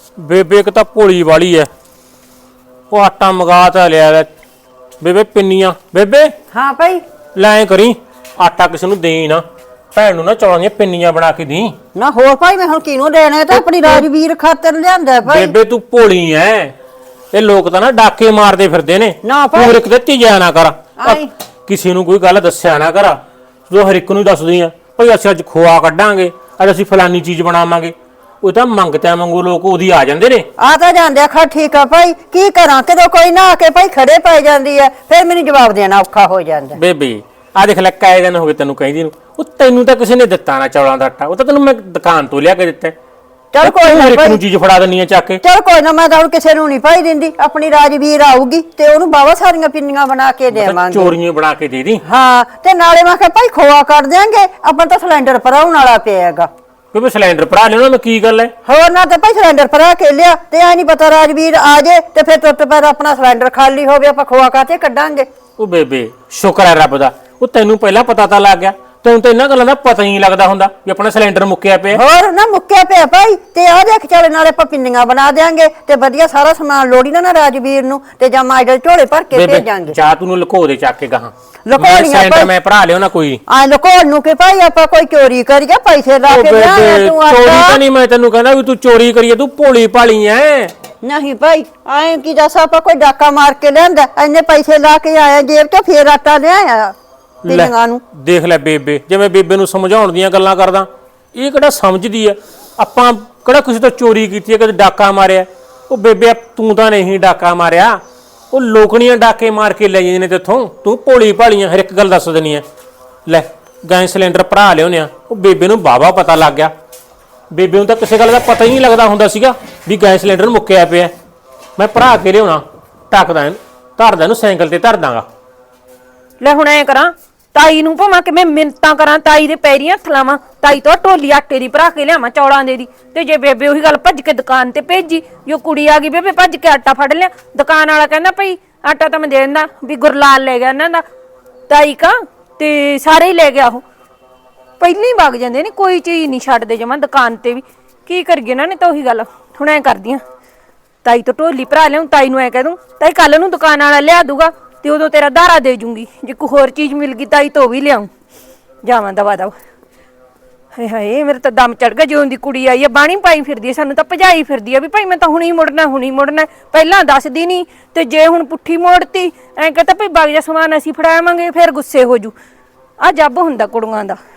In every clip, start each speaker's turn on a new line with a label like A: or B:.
A: ਬੇਬੇ ਇੱਕ ਤਾਂ ਭੋਲੀ ਵਾਲੀ ਐ। ਉਹ ਆਟਾ ਮੰਗਾ ਤਾਂ ਲਿਆ ਬੇਬੇ ਪਿੰਨੀਆਂ। ਬੇਬੇ
B: हाँ भाई
A: ਲੈ ਕਰੀ ਆਟਾ ਕਿਸੇ ਨੂੰ ਦੇਈ ਨਾ, ਭੈਣ ਨੂੰ ਨਾ ਚੌਲਾਂ ਦੀਆਂ ਪਿੰਨੀਆਂ ਬਣਾ ਕੇ ਦੀ।
B: ना हो भाई मैं हुण किनू देने तो अपनी राजवीर खातर लियांदा भाई।
A: ਬੇਬੇ ਤੂੰ ਭੋਲੀ ਐ, ਇਹ ਲੋਕ ਤਾਂ ਨਾ ਡਾਕੇ ਮਾਰਦੇ ਫਿਰਦੇ ਨੇ।
B: ਨਾ ਭਾਈ।
A: ਤੂੰ ਇੱਕ ਤੇ ਧੀਆ ਨਾ ਕਰ,
B: ਆਈ।
A: ਕਿਸੇ ਨੂੰ ਕੋਈ ਗੱਲ ਦੱਸਿਆ ਨਾ ਕਰ। ਜੋ ਹਰ ਇੱਕ ਨੂੰ ਦੱਸਦੀ ਆ ਭਈ ਅਸੀਂ ਅੱਜ ਖੋਆ ਕੱਢਾਂਗੇ, ਅੱਜ ਅਸੀਂ ਫਲਾਨੀ ਚੀਜ਼ ਬਣਾਵਾਂਗੇ। ਉਹ ਤਾਂ ਮੰਗਤਿਆਂ ਵਾਂਗੂ ਲੋਕ ਉਹਦੀ ਆ ਜਾਂਦੇ ਨੇ।
B: आ तो जांदे खा ठीक है भाई की करा कदों कोई ना आके भाई खड़े पै जांदी है फिर मैनू जवाब देना औखा हो जांदा।
A: ਬੇਬੇ ਆ ਦੇਖ ਲੈ ਕਾਏ ਦਿਨ ਹੋ ਗਏ ਤੈਨੂੰ ਕਹਿੰਦੀ ਨੂੰ, ਉਹ ਤੈਨੂੰ ਤਾਂ ਕਿਸੇ ਨੇ ਦਿੱਤਾ ਨਾ ਚੌਲਾਂ ਦਾ ਆਟਾ, ਉਹ ਤਾਂ ਤੈਨੂੰ ਮੈਂ ਦੁਕਾਨ ਤੋਂ ਲਿਆ ਕੇ ਦਿੱਤਾ।
B: चल कोई ना
A: ਹਰ ਇੱਕ ਨੂੰ
B: भाई
A: ਚੀਜ਼ ਫੜਾ ਦਿੰਨੀ ਆ ਚੱਕ ਕੇ।
B: चल कोई ना मैं तो किसी नू नहीं पाई दिंदी, अपनी राजवीर आऊगी ते ओनू बावा सारियां पिन्नियां बना के देवांगे।
A: ਚੋਰੀਆਂ ਬਣਾ ਕੇ ਦੇ ਦੀ।
B: हाँ ते नाले मैं कहा भाई खोआ कर देंगे अपन तो सिलेंडर भराउण वाला पिएगा।
A: ਕਿਉਂਕਿ ਸਿਲੰਡਰ ਭਰਾ ਲੈਣਾ ਮੈਂ ਕੀ ਗੱਲ ਹੈ।
B: होर ना तो भाई सिलेंडर भरा के लिया ते ऐ नहीं पता राजवीर आ जाए ते फिर तुरंत पर अपना सिलेंडर खाली हो गया ਆਪਾਂ खोआ काते कड्डांगे।
A: ਉਹ ਬੇਬੇ ਸ਼ੁਕਰ ਹੈ ਰੱਬ ਦਾ, ਉਹ ਤੈਨੂੰ ਪਹਿਲਾਂ ਪਤਾ ਤਾਂ ਲੱਗ ਗਿਆ। ਤੈਨੂੰ ਤਾਂ ਇਹਨਾਂ ਗੱਲਾਂ ਦਾ ਪਤਾ ਹੀ ਨਹੀਂ ਲੱਗਦਾ ਹੁੰਦਾ ਵੀ ਆਪਣਾ ਸਿਲੰਡਰ ਮੁੱਕਿਆ ਪਿਆ।
B: ਹੋਰ ਨਾ ਮੁੱਕਿਆ ਪਿਆ ਭਾਈ ਤੇ ਆ ਦੇਖ ਚੱਲ ਨਾਲੇ ਆਪਾਂ ਪਿੰਨੀਆਂ ਬਣਾ ਦੇਾਂਗੇ ਤੇ ਵਧੀਆ ਸਾਰਾ ਸਮਾਨ ਲੋੜੀ ਨਾ ਰਾਜਵੀਰ ਨੂੰ ਤੇ ਜਾਂ ਮਾਈਡਲ ਝੋਲੇ ਭਰ ਕੇ ਭੇਜਾਂਗੇ।
A: ਜਾ ਤੂੰ ਨੂੰ ਲੁਕੋ ਦੇ ਚੱਕ ਕੇ ਗਾਹਾਂ
B: ਲੁਕੋਣੀਆਂ
A: ਸਿਲੰਡਰ ਮੈਂ ਭਰਾ ਲਿਓ ਨਾ ਕੋਈ।
B: ਆ ਲੁਕੋਣ ਨੂੰ ਕਿ ਭਾਈ ਆਪਾਂ ਕੋਈ ਚੋਰੀ ਕਰੀਏ ਪੈਸੇ ਲਾ ਕੇ ਲਿਆਇਆ ਤੂੰ
A: ਚੋਰੀ ਤਾਂ ਨਹੀਂ, ਮੈਂ ਤੈਨੂੰ ਕਹਿੰਦਾ ਵੀ ਤੂੰ ਚੋਰੀ ਕਰੀਏ, ਤੂੰ ਭੋਲੀ ਭਾਲੀ ਐ।
B: ਨਹੀਂ ਭਾਈ ਐਂ ਕੀ ਦੱਸ ਆਪਾਂ ਕੋਈ ਡਾਕਾ ਮਾਰ ਕੇ ਲਿਆਂਦਾ, ਇੰਨੇ ਪੈਸੇ ਲਾ ਕੇ ਆਇਆ ਜੇਬ ਤੋਂ ਫੇਰ ਆਟਾ ਲਿਆਇਆ ਪਿੰਨੀਆਂ ਨੂੰ।
A: ਦੇਖ ਲੈ ਬੇਬੇ, ਜਿਵੇਂ ਬੇਬੇ ਨੂੰ ਸਮਝਾਉਣ ਦੀਆਂ ਗੱਲਾਂ ਕਰਦਾ, ਇਹ ਕਿਹੜਾ ਸਮਝਦੀ ਐ। ਆਪਾਂ ਕਿਹੜਾ ਕਿਸੇ ਤੋਂ ਚੋਰੀ ਕੀਤੀ ਐ, ਕਦੇ ਡਾਕਾ ਮਾਰਿਆ। ਉਹ ਬੇਬੇ ਤੂੰ ਤਾਂ ਨਹੀਂ ਡਾਕਾ ਮਾਰਿਆ, ਉਹ ਲੋਕਣੀਆਂ ਡਾਕੇ ਮਾਰ ਕੇ ਲੈ ਜਾਂਦੇ ਨੇ ਤੇਥੋਂ। ਤੂੰ ਭੋਲੀ ਭਾਲੀਆਂ ਹਰ ਇੱਕ ਗੱਲ ਦੱਸ ਦੇਣੀ ਐ। ਲੈ ਗੈਸ ਸਿਲੰਡਰ ਭਰਾ ਲਿਆਉਂਦੇ ਆ, ਉਹ ਬੇਬੇ ਨੂੰ ਬਾਵਾ ਪਤਾ ਲੱਗ ਗਿਆ। ਬੇਬੇ ਨੂੰ ਤਾਂ ਕਿਸੇ ਗੱਲ ਦਾ ਪਤਾ ਹੀ ਨਹੀਂ ਲੱਗਦਾ ਹੁੰਦਾ ਸੀਗਾ ਵੀ ਗੈਸ ਸਿਲੰਡਰ ਮੁੱਕਿਆ ਪਿਆ। ਮੈਂ ਭਰਾ ਕੇ ਲਿਆਉਣਾ, ਟੱਕਦਾ ਇਹਨੂੰ, ਧਰਦਾ ਇਹਨੂੰ ਸਾਈਕਲ ਤੇ ਧਰ ਦਾਂਗਾ।
C: ਲੈ ਹੁਣ ਐ ਕਰਾਂ ਤਾਈ ਨੂੰ ਭਾਵਾਂ ਕਿ ਮੈਂ ਮਿੰਤਾਂ ਕਰਾਂ, ਤਾਈ ਦੇ ਪੈਰੀਂ ਹੱਥ ਲਾਵਾਂ, ਤਾਈ ਤੋਂ ਢੋਲੀ ਆਟੇ ਦੀ ਭਰਾ ਕੇ ਲਿਆਵਾਂ ਚੌਲਾਂ ਦੇ ਦੀ। ਤੇ ਜੇ ਬੇਬੇ ਉਹੀ ਗੱਲ ਭੱਜ ਕੇ ਦੁਕਾਨ ਤੇ ਭੇਜੀ, ਜੋ ਕੁੜੀ ਆ ਗਈ ਬੇਬੇ ਭੱਜ ਕੇ ਆਟਾ ਫੜ ਲਿਆ, ਦੁਕਾਨ ਵਾਲਾ ਕਹਿੰਦਾ ਭਈ ਆਟਾ ਤਾਂ ਮੈਂ ਦੇ ਦਿੰਦਾ ਵੀ ਗੁਰਲਾਲ ਲੈ ਗਿਆ ਇਹਨਾਂ ਦਾ ਤਾਈ ਕਾ, ਤੇ ਸਾਰੇ ਹੀ ਲੈ ਗਿਆ। ਉਹ ਪਹਿਲਾਂ ਹੀ ਵਗ ਜਾਂਦੇ ਨੇ, ਕੋਈ ਚੀਜ਼ ਨਹੀਂ ਛੱਡਦੇ ਜਮਾਂ ਦੁਕਾਨ ਤੇ ਵੀ। ਕੀ ਕਰੀਏ ਇਹਨਾਂ ਨੇ ਤਾਂ ਉਹੀ ਗੱਲ। ਹੁਣ ਐ ਕਰਦੀਆਂ ਤਾਈ ਤੋਂ ਢੋਲੀ ਭਰਾ ਲਿਆਉਂ, ਤਾਈ ਨੂੰ ਐ ਕਹਿ ਦੂੰ ਤਾਈ ਕੱਲ ਨੂੰ ਦੁਕਾਨ ਵਾਲਾ ਲਿਆ ਦੂਗਾ ਤੇ ਉਦੋਂ ਤੇਰਾ ਧਾਰਾ ਦੇ ਜੂੰਗੀ। ਜੇ ਕੋਈ ਹੋਰ ਚੀਜ਼ ਮਿਲ ਗਈ ਤਾਈ ਤੋਂ ਵੀ ਲਿਆਉਂ, ਜਾਵਾਂ ਦਵਾ ਦਵਾ। ਹਾਏ ਹਾਏ ਮੇਰੇ ਤਾਂ ਦਮ ਚੜ ਗਿਆ। ਜਿਉਂ ਦੀ ਕੁੜੀ ਆਈ ਆ ਬਾਣੀ ਪਾਈ ਫਿਰਦੀ ਆ, ਸਾਨੂੰ ਤਾਂ ਭਜਾਈ ਫਿਰਦੀ ਆ ਵੀ ਭਾਈ ਮੈਂ ਤਾਂ ਹੁਣੀ ਮੁੜਨਾ ਹੁਣੀ ਮੁੜਨਾ, ਪਹਿਲਾਂ ਦੱਸਦੀ ਨਹੀਂ। ਤੇ ਜੇ ਹੁਣ ਪੁੱਠੀ ਮੋੜਤੀ ਐਂ ਕਹਤਾ ਭਈ ਬਾਗ ਜਾ ਸਮਾਨ ਅਸੀਂ ਫੜਾਵਾਂਗੇ, ਫਿਰ ਗੁੱਸੇ ਹੋ ਜੂ। ਆ ਜੱਬ ਹੁੰਦਾ ਕੁੜੀਆਂ ਦਾ।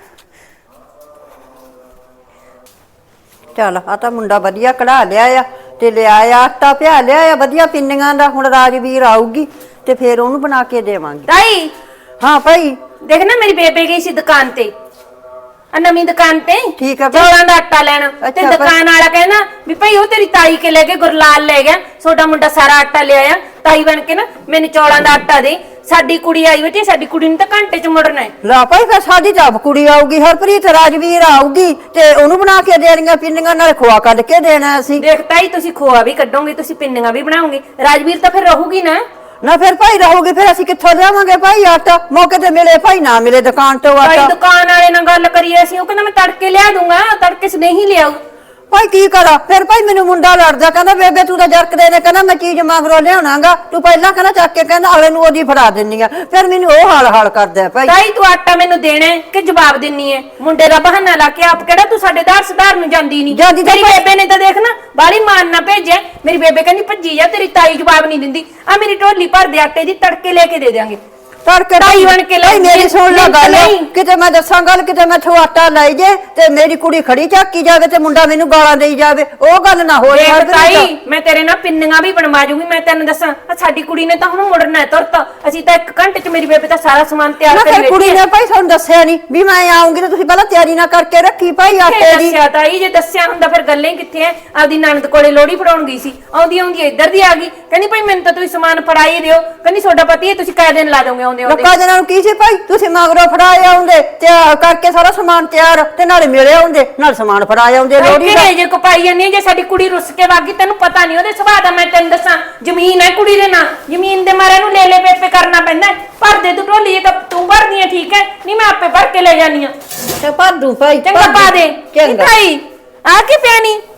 B: ਚੱਲ ਆ ਤਾਂ ਮੁੰਡਾ ਵਧੀਆ ਕਢਾ ਲਿਆ ਆ ਤੇ ਲਿਆਇਆ ਆਟਾ ਪਿਆ ਲਿਆ ਵਧੀਆ ਪਿੰਨੀਆਂ ਦਾ। ਹੁਣ ਰਾਜਵੀਰ ਆਊਗੀ ਤੇ ਫੇਰ ਉਹਨੂੰ ਬਣਾ ਕੇ ਦੇਵਾਂਗੇ।
C: ਤਾਈ
B: ਹਾਂ ਭਾਈ
C: ਦੇਖ ਨਾ ਮੇਰੀ ਬੇਬੇ ਗਈ ਸੀ ਦੁਕਾਨ ਤੇ, ਨਵੀਂ ਦੁਕਾਨ ਤੇ
B: ਠੀਕ ਆ
C: ਚੌਲਾਂ ਦਾ ਆਟਾ ਲੈਣ। ਤੇ ਦੁਕਾਨ ਵਾਲਾ ਕਹਿੰਦਾ ਵੀ ਭਾਈ ਉਹ ਤੇਰੀ ਤਾਈ ਕੇ ਲੈ ਕੇ ਗੁਰਲਾਲ ਲੈ ਗਿਆ, ਤੁਹਾਡਾ ਮੁੰਡਾ ਸਾਰਾ ਆਟਾ ਲਿਆਇਆ। ਤਾਈ ਬਣ ਕੇ ਨਾ ਮੈਨੂੰ ਚੌਲਾਂ ਦਾ ਆਟਾ ਦੇ, ਸਾਡੀ ਕੁੜੀ ਆਈ ਬੈਠੀ, ਸਾਡੀ ਕੁੜੀ ਨੂੰ ਤਾਂ ਘੰਟੇ ਚ ਮੁੜਨਾ ਹੈ।
B: ਲਾ ਭਾਈ ਫਿਰ ਸਾਡੀ ਤਾਂ ਕੁੜੀ ਆਊਗੀ, ਹਰਪ੍ਰੀਤ ਰਾਜਵੀਰ ਆਊਗੀ ਤੇ ਉਹਨੂੰ ਬਣਾ ਕੇ ਦੇਣੀਆਂ ਪਿੰਨੀਆਂ, ਨਾਲ ਖੋਆ ਕੱਢ ਕੇ ਦੇਣਾ ਅਸੀਂ।
C: ਦੇਖ ਤਾਈ ਤੁਸੀਂ ਖੋਆ ਵੀ ਕੱਢੋਗੇ, ਤੁਸੀਂ ਪਿੰਨੀਆਂ ਵੀ ਬਣਾਓਗੇ, ਰਾਜਵੀਰ ਤਾਂ ਫਿਰ ਰਹੂਗੀ ਨਾ।
B: ਨਾ ਫਿਰ ਭਾਈ ਰਹੂਗੀ, ਫਿਰ ਅਸੀਂ ਕਿੱਥੋਂ ਲਿਆਵਾਂਗੇ ਭਾਈ ਆਟਾ? ਮੌਕੇ ਤੇ ਮਿਲੇ ਭਾਈ ਨਾ ਮਿਲੇ ਦੁਕਾਨ ਤੋਂ
C: ਭਾਈ
B: ਆਟਾ।
C: ਦੁਕਾਨ ਵਾਲੇ ਨਾਲ ਗੱਲ ਕਰੀਏ ਅਸੀਂ, ਉਹ ਕਹਿੰਦਾ ਮੈਂ ਤੜਕੇ ਲਿਆ ਦੂੰਗਾ, ਤੜਕੇ ਸੇ ਨਹੀਂ ਲਿਆਊ।
B: ਭਾਈ ਕੀ ਕਰਾਂ ਫਿਰ? ਭਾਈ ਮੈਨੂੰ ਮੁੰਡਾ ਲੜਦਾ, ਕਹਿੰਦਾ ਬੇਬੇ ਤੂੰ ਤਾਂ ਜਰਕਦੇ ਨੇ, ਕਹਿੰਦਾ ਮੈਂ ਚੀਜ਼ ਮਗਰੋਂ ਲਿਆਉਣਾਗਾ, ਤੂੰ ਪਹਿਲਾਂ ਕਹਿੰਦਾ ਚੱਕ ਕੇ ਕਹਿੰਦਾ ਅਗਲੇ ਨੂੰ ਉਹਦੀ ਫੜਾ ਦਿੰਨੀ ਆ। ਫਿਰ ਮੈਨੂੰ ਉਹ ਹਾਲ ਕਰਦਾ ਭਾਈ।
C: ਤਾਈ ਤੂੰ ਆਟਾ ਮੈਨੂੰ ਦੇਣਾ ਕਿ ਜਵਾਬ ਦਿੰਨੀ ਹੈ? ਮੁੰਡੇ ਦਾ ਬਹਾਨਾ ਲਾ ਕੇ ਆਪ ਕਿਹੜਾ ਤੂੰ ਸਾਡੇ ਦਾਰ ਸੁਧਾਰ ਨੂੰ ਜਾਂਦੀ ਨਹੀਂ। ਤੇਰੀ ਬੇਬੇ ਨੇ ਤਾਂ ਦੇਖ ਨਾ ਬਾਲੀ ਮਾਨ ਨਾ ਭੇਜਿਆ। ਮੇਰੀ ਬੇਬੇ ਕਹਿੰਦੀ ਭੱਜੀ ਜਾ, ਤੇਰੀ ਤਾਈ ਜਵਾਬ ਨਹੀਂ ਦਿੰਦੀ। ਆ ਮੇਰੀ ਢੋਲੀ ਭਰ ਦੇ ਆਟੇ ਦੀ, ਤੜਕੇ ਲੈ ਕੇ ਦੇ ਦਿਆਂਗੇ।
B: ਤੜਕੇ
C: ਤਾਈ ਬਣ ਕੇ ਲੈ
B: ਮੇਰੀ ਸੁਣ ਲੈ ਗੱਲ, ਕਿਤੇ ਮੈਂ ਦੱਸਾਂ ਗੱਲ, ਕਿਤੇ ਮੈਥੋਂ ਆਟਾ ਲੈ ਜੇ ਤੇ ਮੇਰੀ ਕੁੜੀ ਖੜੀ ਝਾਕੀ ਜਾਵੇ ਤੇ ਮੁੰਡਾ ਮੈਨੂੰ ਗਾਲਾਂ ਦੇਈ ਜਾਵੇ, ਉਹ ਗੱਲ ਨਾ ਹੋਏ।
C: ਤਾਈ ਮੈਂ ਤੇਰੇ ਨਾਲ ਪਿੰਨੀਆਂ ਵੀ ਬਣਵਾ ਜੂਗੀ। ਮੈਂ ਤੈਨੂੰ ਦੱਸਾਂ ਸਾਡੀ ਕੁੜੀ ਨੇ ਤਾਂ ਹੁਣ ਮੁੜਨਾ ਤੁਰਤ। ਅਸੀਂ ਤਾਂ 1 ਘੰਟੇ ਚ ਮੇਰੀ ਬੇਬੇ ਤਾਂ ਸਾਰਾ ਸਮਾਨ ਤਿਆਰ ਕਰੀ ਬੈਠੀ ਹੈ।
B: ਕੁੜੀ ਨੇ ਭਾਈ ਤੁਹਾਨੂੰ ਦੱਸਿਆ ਨਹੀਂ ਵੀ ਮੈਂ ਆਉਂਗੀ ਤੇ ਤੁਸੀਂ ਪਹਿਲਾਂ ਤਿਆਰੀ ਨਾ ਕਰਕੇ ਰੱਖੀ ਭਾਈ ਆਟੇ ਦੀ।
C: ਦੱਸਿਆ ਤਾਈ, ਜੇ ਦੱਸਿਆ ਹੁੰਦਾ ਫਿਰ ਗੱਲਾਂ ਹੀ ਕਿੱਥੇ ਐ। ਆਪਦੀ ਨਣਦ ਕੋਲੇ ਲੋਹੜੀ ਫੜਾਉਣ ਗਈ ਸੀ, ਆਉਂਦੀ ਆਉਂਦੀ ਇੱਧਰ ਦੀ ਆ ਗਈ, ਕਹਿੰਦੀ ਭਾਈ ਮੈਨੂੰ ਤਾਂ ਤੁਸੀਂ ਸਮਾਨ ਫੜਾਈ ਦਿਓ, ਕਹਿੰਦੀ ਤੁਹਾਡਾ ਪਤੀ ਹੈ ਤੁਸੀਂ ਕਾਹ ਦਿਨ ਲਾ ਦੋਗੇ ਆਉਂਦੇ ਆਉਂਦੇ।
B: ਲੋਕਾਂ ਦੇ ਨਾਲ ਕੀ ਸੀ ਭਾਈ, ਤੁਸੀਂ ਮਗਰੋਂ ਫੜਾਏ ਆਉਂਦੇ ਤੇ ਕਰਕੇ ਸਾਰਾ ਸਮਾਨ ਤਿਆਰ ਤੇ ਨਾਲੇ ਮਿਲੇ ਆਉਂਦੇ ਨਾਲ ਸਮਾਨ ਫੜਾਏ ਆਉਂਦੇ ਲੋਹੜੀ ਦਾ।
C: ਜੇ ਕੋ ਪਾਈ ਜਾਂਦੀ ਜੇ ਸਾਡੀ ਕੁੜੀ ਰੁੱਸ ਕੇ ਵਾਗੀ, ਤੈਨੂੰ ਪਤਾ ਨਹੀਂ ਉਹਦੇ ਸੁਭਾਅ ਦਾ। ਮੈਂ ਤੈਨੂੰ ਦੱਸਾਂ ਜ਼ਮੀਨ ਹੈ ਕੁੜੀ ਦੇ ਨਾਂ, ਜ਼ਮੀਨ ਦੇ ਮਾਰੇ ਨੂੰ ਲੈ ਪੇਪੇ ਕਰਨਾ ਪੈਂਦਾ। ਭਰ ਦੇ ਤੂੰ ਢੋਲੀ, ਜੇ ਤਾਂ ਤੂੰ ਭਰਦੀ ਹੈ ਠੀਕ ਹੈ, ਨਹੀਂ ਮੈਂ ਆਪੇ ਭਰ ਕੇ ਲੈ ਜਾਨੀ ਆ।
B: ਤੇ ਭਰ ਦੂੰ ਭਾਈ,
C: ਚੰਗਾ ਪਾ ਦੇ।
B: ਚੰਗਾ
C: ਭਾਈ ਆ ਕੀ ਪਿਆਣੀ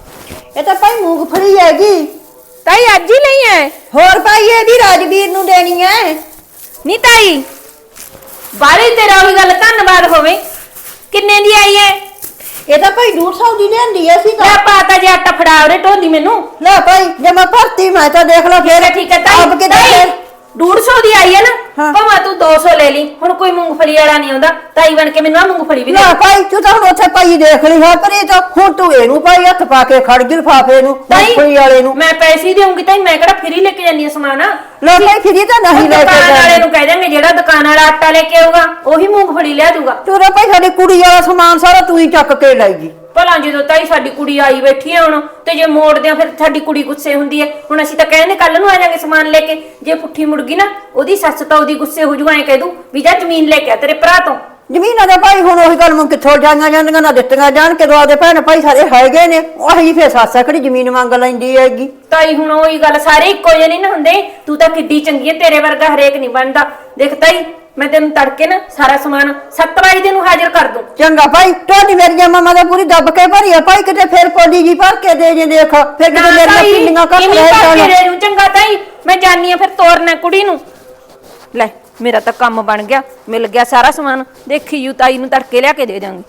B: ਇਹ ਤਾਂ ਭਾਈ ਮੂੰਗਫਲੀ ਹੈਗੀ।
C: ਤਾਈ ਅੱਜ ਹੀ ਲਈ ਐ?
B: ਹੋਰ ਭਾਈ ਇਹ ਵੀ ਰਾਜਵੀਰ ਨੂੰ ਦੇਣੀ ਹੈ।
C: ਨੀ ਤਾਈ ਬਾਰੇ ਤੇਰਾ ਉਹੀ ਗੱਲ ਧੰਨਵਾਦ ਹੋਵੇ। ਕਿੰਨੇ ਦੀ ਆਈ ਐ?
B: ਇਹ ਤਾਂ ਭਾਈ 150 ਦੀ ਲਿਆਂਦੀ ਐ ਸੀ ਤਾਂ।
C: ਲੈ ਪਾਤਾ ਜੇ ਆਟਾ ਫੜਾ ਉਰੇ ਢੋਲੀ ਮੈਨੂੰ।
B: ਲੈ ਭਾਈ ਜੇ ਮੈਂ ਭਰਤੀ ਮੈਂ ਤਾਂ ਦੇਖ ਲਾ ਫੇਰ
C: ਠੀਕ ਹੈ ਤਾਈ।
B: ਆਪ ਕਿਤੇ
C: ਤਾਈ,
B: ਫੇਰ
C: 150 ਦੀ ਆਈ ਹੈ ਨਾ,
B: ਹਾਂ।
C: ਭਾਵੇਂ ਤੂੰ 200 ਲੈ ਲਈ। ਹੁਣ ਕੋਈ ਮੂੰਗਫਲੀ ਵਾਲਾ ਨਹੀਂ ਆਉਂਦਾ, ਤਾਈ ਬਣ ਕੇ ਮੈਨੂੰ ਆ ਮੂੰਗਫਲੀ ਵੀ ਦੇ।
B: ਲੈ ਭਾਈ ਤੂੰ ਤਾਂ ਹੁਣ ਉੱਥੇ ਭਾਈ ਦੇਖ ਲਈ ਹੈ ਪਰ ਇਹ ਤਾਂ ਹੁਣ ਤੂੰ ਇਹਨੂੰ ਭਾਈ ਹੱਥ ਪਾ ਕੇ ਖੜ ਗਈ ਲਿਫਾਫੇ ਨੂੰ ਮੂੰਗਫਲੀ ਵਾਲੇ ਨੂੰ।
C: ਮੈਂ ਪੈਸੇ ਦੇਉਂਗੀ ਤਾਈ, ਮੈਂ ਕਿਹੜਾ ਫਰੀ ਲੈ ਕੇ ਜਾਂਦੀ ਆ ਸਮਾਨ।
B: ਲੈ ਭਾਈ ਫਿਰੀ ਤਾਂ ਨਹੀਂ ਲੈ ਕੇ
C: ਦੁਕਾਨ ਵਾਲੇ
B: ਜਾਣੀ।
C: ਨੂੰ ਕਹਿ ਦਾਂਗੇ ਜਿਹੜਾ ਦੁਕਾਨ ਵਾਲਾ ਆਟਾ ਲੈ ਕੇ ਆਊਗਾ ਉਹੀ ਮੂੰਗਫਲੀ ਲਿਆ ਦੂਗਾ।
B: ਤੂੰ ਤਾਂ ਭਾਈ ਸਾਡੀ ਕੁੜੀ ਵਾਲਾ ਸਮਾਨ ਸਾਰਾ ਤੂੰ ਹੀ ਚੱਕ ਕੇ ਲੈ ਗਈ।
C: ਭਲਾ ਜਦੋਂ ਤਾਈ ਸਾਡੀ ਕੁੜੀ ਆਈ ਬੈਠੀ ਹੈ ਹੁਣ, ਤੇ ਜੇ ਮੋੜਦੇ ਆ ਫਿਰ ਸਾਡੀ ਕੁੜੀ ਗੁੱਸੇ ਹੁੰਦੀ ਹੈ। ਹੁਣ ਅਸੀਂ ਤਾਂ ਕਹਿੰਦੇ ਕੱਲ ਨੂੰ ਆ ਜਾਾਂਗੇ ਸਮਾਨ ਲੈ ਕੇ। ਜੇ ਪੁੱਠੀ ਮੁੜ ਗਈ ਨਾ ਉਹਦੀ ਸੱਸ ਤਾਂ ਉਹਦੀ ਗੁੱਸੇ ਹੋ ਜੂਗਾ, ਐ ਕਹਿ ਦੂ ਵੀ ਜਾ ਜ਼ਮੀਨ ਲੈ ਕੇ ਆ ਤੇਰੇ ਭਰਾ ਤੋਂ।
B: ਜ਼ਮੀਨਾਂ ਦਾ ਭਾਈ ਹੁਣ ਉਹੀ ਗੱਲ ਮੈਂ ਕਿੱਥੋਂ ਜਾਂਦੀਆਂ ਜਾਂਦੀਆਂ ਨਾ ਦਿੱਤੀਆਂ ਜਾਣ ਕੇ ਦੁਆਦੇ ਭੈਣ ਭਾਈ ਸਾਰੇ ਹੈਗੇ ਨੇ। ਉਹੀ ਫੇਰ ਸੱਸ ਕਿਹੜੀ ਜ਼ਮੀਨ ਮੰਗ ਲੈਂਦੀ ਹੈਗੀ।
C: ਤਾਈ ਹੁਣ ਉਹੀ ਗੱਲ, ਸਾਰੇ ਇੱਕੋ ਜਿਹੇ ਨਹੀਂ ਨਾ ਹੁੰਦੇ। ਤੂੰ ਤਾਂ ਕਿੱਡੀ ਚੰਗੀ ਹੈ, ਤੇਰੇ ਵਰਗਾ ਹਰੇਕ ਨਹੀਂ ਬਣਦਾ। ਦੇਖ ਤਾਈ ਮੈਂ ਤੈਨੂੰ ਤੜਕੇ ਨਾ ਸਾਰਾ ਸਮਾਨ 7 ਵਜੇ ਨੂੰ ਹਾਜ਼ਰ ਕਰ ਦੂੰ।
B: ਚੰਗਾ ਭਾਈ ਤੁਹਾਡੀ ਮੇਰੀਆਂ ਮਾਮਾ ਦਾ ਪੂਰੀ ਦੱਬ ਕੇ ਭਰੀ ਆ ਭਾਈ, ਕਿਤੇ ਫੇਰ ਕੋਲੀ ਜੀ ਭਰ ਕੇ ਦੇ ਜੇ ਦੇਖ ਫੇਰ ਕਿਤੇ ਮੇਰੀਆਂ ਪਿੰਡੀਆਂ ਕੱਟ ਲੈ
C: ਜਾਣ। ਚੰਗਾ ਤਾਈ ਮੈਂ ਜਾਨੀ ਆ ਫਿਰ ਤੋਰਨਾ ਕੁੜੀ ਨੂੰ। ਲੈ ਮੇਰਾ ਤਾਂ ਕੰਮ ਬਣ ਗਿਆ, ਮਿਲ ਗਿਆ ਸਾਰਾ ਸਮਾਨ। ਦੇਖੀ ਯੂ ਤਾਈ ਨੂੰ ਤੜਕੇ ਲਿਆ ਕੇ ਦੇ ਦਾਂਗੀ।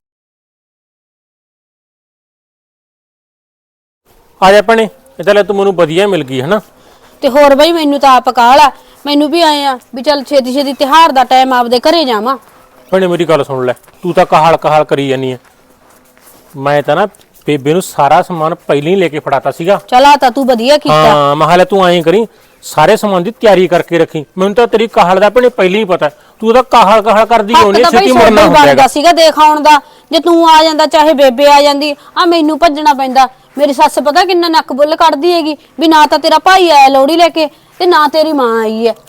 A: ਆ ਜਾ ਭੈਣੇ, ਇਹ ਤਾਂ ਲੈ ਤੂੰ ਮੈਨੂੰ ਵਧੀਆ ਮਿਲ ਗਈ ਹਨਾ।
D: ਤੇ ਹੋਰ ਬਈ ਮੈਨੂੰ ਤਾਂ ਆਪ ਕਾਹਲ ਆ, ਮੈਨੂੰ ਵੀ ਆਏ ਆ ਵੀ ਚੱਲ ਛੇਤੀ ਛੇਤੀ ਤਿਹਾਰ ਦਾ ਟਾਈਮ ਆਪਦੇ ਘਰੇ ਜਾਵਾਂ।
A: ਭੈਣੇ ਮੇਰੀ ਗੱਲ ਸੁਣ ਲੈ, ਤੂੰ ਤਾਂ ਕਹਾਲ ਕਰੀ ਜਾਨੀ ਐ। ਮੈਂ ਤਾਂ ਨਾ ਬੇਬੇ ਨੂੰ ਸਾਰਾ ਸਮਾਨ ਪਹਿਲਾਂ ਹੀ ਲੈ ਕੇ ਫੜਾਤਾ ਸੀਗਾ।
D: ਚੱਲ ਆ ਤਾਂ ਤੂੰ ਵਧੀਆ ਕੀਤਾ।
A: ਹਾਂ ਮੈਂ ਹਾਲੇ ਤੂੰ ਐਂ ਕਰੀ ਸਾਰੇ ਸਮਾਨ ਦੀ ਤਿਆਰੀ ਕਰਕੇ ਰੱਖੀ। ਮੈਨੂੰ ਤਾਂ ਤੇਰੀ ਕਹਾਲ ਦਾ ਭੈਣੇ ਪਹਿਲਾਂ ਹੀ ਪਤਾ, ਤੂੰ ਤਾਂ ਕਹਾਲ ਕਰਦੀ ਹੋਣੀ
D: ਹੱਕ ਤਾਂ
A: ਛੇਤੀ
D: ਬਈ
A: ਮੁੜਨਾ
D: ਸੋਡਾ
A: ਹੁੰਦਾ ਹੈਗਾ।
D: ਬਣਦਾ ਸੀਗਾ ਦੇਖ ਆਉਣ ਦਾ। ਜੇ ਤੂੰ ਆ ਜਾਂਦਾ ਚਾਹੇ ਬੇਬੇ ਆ ਜਾਂਦੀ, ਆ ਮੈਨੂੰ ਭੱਜਣਾ ਪੈਂਦਾ। ਮੇਰੀ ਸੱਸ ਪਤਾ ਕਿੰਨਾ ਨੱਕ ਬੁੱਲ ਕੱਢਦੀ ਹੈਗੀ ਵੀ ਨਾ ਤਾਂ ਤੇਰਾ ਭਾਈ ਆਇਆ ਲੋਹੜੀ ਲੈ ਕੇ ਤੇ ਨਾ ਤੇਰੀ ਮਾਂ ਆਈ ਹੈ।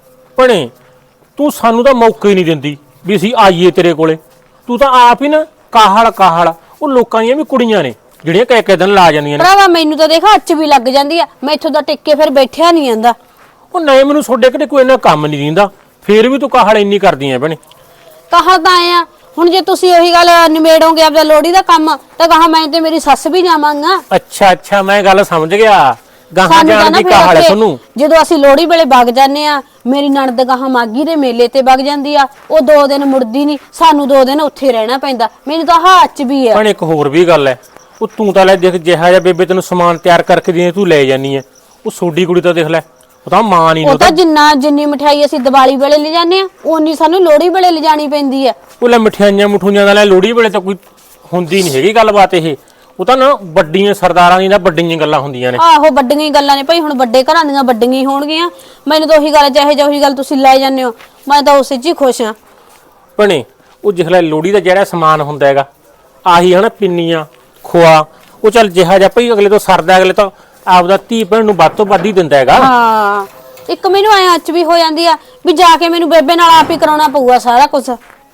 A: ਭੈਣੇ ਤੂੰ ਸਾਨੂੰ ਤਾਂ ਮੌਕਾ ਹੀ ਨਹੀਂ ਦਿੰਦੀ ਵੀ ਅਸੀਂ ਆਈਏ ਤੇਰੇ ਕੋਲੇ। ਤੂੰ ਤਾਂ ਆਪ ਹੀ ਨਾ ਕਾਹਲ ਉਹ ਲੋਕਾਂ ਦੀਆਂ ਵੀ ਕੁੜੀਆਂ ਨੇ ਜਿਹੜੀਆਂ ਕਹਿ ਦਿਨ ਲਾ ਜਾਂਦੀਆਂ ਨੇ।
D: ਭਰਾਵਾ ਮੈਨੂੰ ਤਾਂ ਦੇਖ ਅੱਚ ਵੀ ਲੱਗ ਜਾਂਦੀ ਆ, ਮੈਂ ਇੱਥੋਂ ਦਾ ਟਿੱਕੇ ਫਿਰ ਬੈਠਿਆ ਨਹੀਂ ਜਾਂਦਾ।
A: ਉਹ ਨਹੀਂ ਮੈਨੂੰ ਛੋਡੇ ਕਿਤੇ ਕੋਈ ਇੰਨਾ ਕੰਮ ਨਹੀਂ ਦਿੰਦਾ, ਫੇਰ ਵੀ ਤੂੰ ਕਾਹਲ ਇੰਨੀ ਕਰਦੀ ਐ ਭੈਣੇ।
D: ਕਾਹਲ ਤਾਂ ਆਏ ਆ ਹੁਣ, ਜੇ ਤੁਸੀਂ ਉਹੀ ਗੱਲ ਨਿਮੇੜੋਗੇ ਆਪਦਾ ਲੋਹੜੀ ਦਾ ਕੰਮ ਤਾਂ ਕਹਾ ਮੈਂ ਤੇ ਮੇਰੀ ਸੱਸ ਵੀ ਜਾਵਾਂਗਾ।
A: ਅੱਛਾ ਮੈਂ ਗੱਲ ਸਮਝ ਗਿਆ, ਗਾਹਾਂ
D: ਸਾਨੂੰ ਤਾਂ
A: ਜਾਣ
D: ਨਾ
A: ਦੀ
D: ਫਿਰ
A: ਕਾਹਲ ਹੈ
D: ਉੱਥੇ
A: ਤੁਹਾਨੂੰ।
D: ਜਦੋਂ ਅਸੀਂ ਲੋਹੜੀ ਵੇਲੇ ਵਗ ਜਾਂਦੇ ਆ, ਮੇਰੀ ਨਣਦ ਗਾਹਾਂ ਮਾਗੀ ਦੇ ਮੇਲੇ ਤੇ ਵਗ ਜਾਂਦੀ ਆ, ਉਹ 2 ਦਿਨ ਮੁੜਦੀ ਨਹੀਂ, ਸਾਨੂੰ 2 ਦਿਨ ਉੱਥੇ ਰਹਿਣਾ ਪੈਂਦਾ। ਮੈਨੂੰ ਤਾਂ ਹੱਥ ਵੀ ਆ।
A: ਭੈਣੇ ਇੱਕ ਹੋਰ ਵੀ ਗੱਲ ਐ, ਉਹ ਤੂੰ ਤਾਂ ਲੈ ਦੇਖ ਜਿਹਾ ਜਿਹਾ ਬੇਬੇ ਤੈਨੂੰ ਸਮਾਨ ਤਿਆਰ ਕਰਕੇ ਦੇ ਤੂੰ ਲੈ ਜਾਨੀ ਐ। ਉਹ ਸੋਡੀ ਕੁੜੀ ਤਾਂ ਦੇਖ ਲੈ, ਉਹ ਤਾਂ ਮਾਂ ਨਹੀਂ।
D: ਉਹ ਤਾਂ ਜਿੰਨੀ ਮਠਿਆਈ ਅਸੀਂ ਦੀਵਾਲੀ ਵੇਲੇ ਲੈ ਜਾਂਦੇ ਆ, ਓਨੀ ਸਾਨੂੰ ਲੋਹੜੀ ਵੇਲੇ ਲਿਜਾਣੀ ਪੈਂਦੀ ਆ।
A: ਉਹ ਲੈ ਮਠਿਆਈਆਂ ਦਾ ਲੈ ਲੋਹੜੀ ਵੇਲੇ ਤਾਂ ਕੋਈ ਹੁੰਦੀ ਨਹੀਂ ਹੈਗੀ ਗੱਲਬਾਤ ਇਹ। ਉਹ ਤਾਂ ਨਾ ਵੱਡੀਆਂ ਸਰਦਾਰਾਂ ਦੀਆਂ ਵੱਡੀਆਂ ਗੱਲਾਂ ਹੁੰਦੀਆਂ ਨੇ।
D: ਆਹੋ ਵੱਡੀਆਂ ਹੀ ਗੱਲਾਂ ਨੇ ਭਾਈ, ਹੁਣ ਵੱਡੇ ਘਰਾਂ ਦੀਆਂ ਵੱਡੀਆਂ ਹੀ ਹੋਣਗੀਆਂ। ਮੈਨੂੰ ਤਾਂ ਉਹੀ ਗੱਲ ਚਾਹੇ ਜਾਂ ਉਹੀ ਗੱਲ ਤੁਸੀਂ ਲੈ ਜਾਂਦੇ ਹੋ, ਮੈਂ ਤਾਂ ਉਸੇ 'ਚ ਹੀ ਖੁਸ਼ ਆ।
A: ਭੈਣੇ ਉਹ ਜਿਖ ਲੈ ਲੋਹੜੀ ਦਾ ਜਿਹੜਾ ਸਮਾਨ ਹੁੰਦਾ ਹੈਗਾ ਆਹੀ ਹਨਾ, ਪਿੰਨੀਆਂ ਖੋਆ, ਉਹ ਚੱਲ ਜਿਹਾ ਜਿਹਾ ਭਈ ਅਗਲੇ ਤੋਂ ਸਰਦਾ, ਅਗਲੇ ਤਾਂ ਆਪਦਾ ਧੀ ਭੈਣ ਨੂੰ ਵੱਧ ਤੋਂ ਵੱਧ ਹੀ ਦਿੰਦਾ ਹੈਗਾ।
D: ਹਾਂ ਇੱਕ ਮੈਨੂੰ ਐ ਅੱਚ ਵੀ ਹੋ ਜਾਂਦੀ ਆ ਵੀ ਜਾ ਕੇ ਮੈਨੂੰ ਬੇਬੇ ਨਾਲ ਆਪ ਹੀ ਕਰਾਉਣਾ ਪਊਗਾ ਸਾਰਾ ਕੁਝ।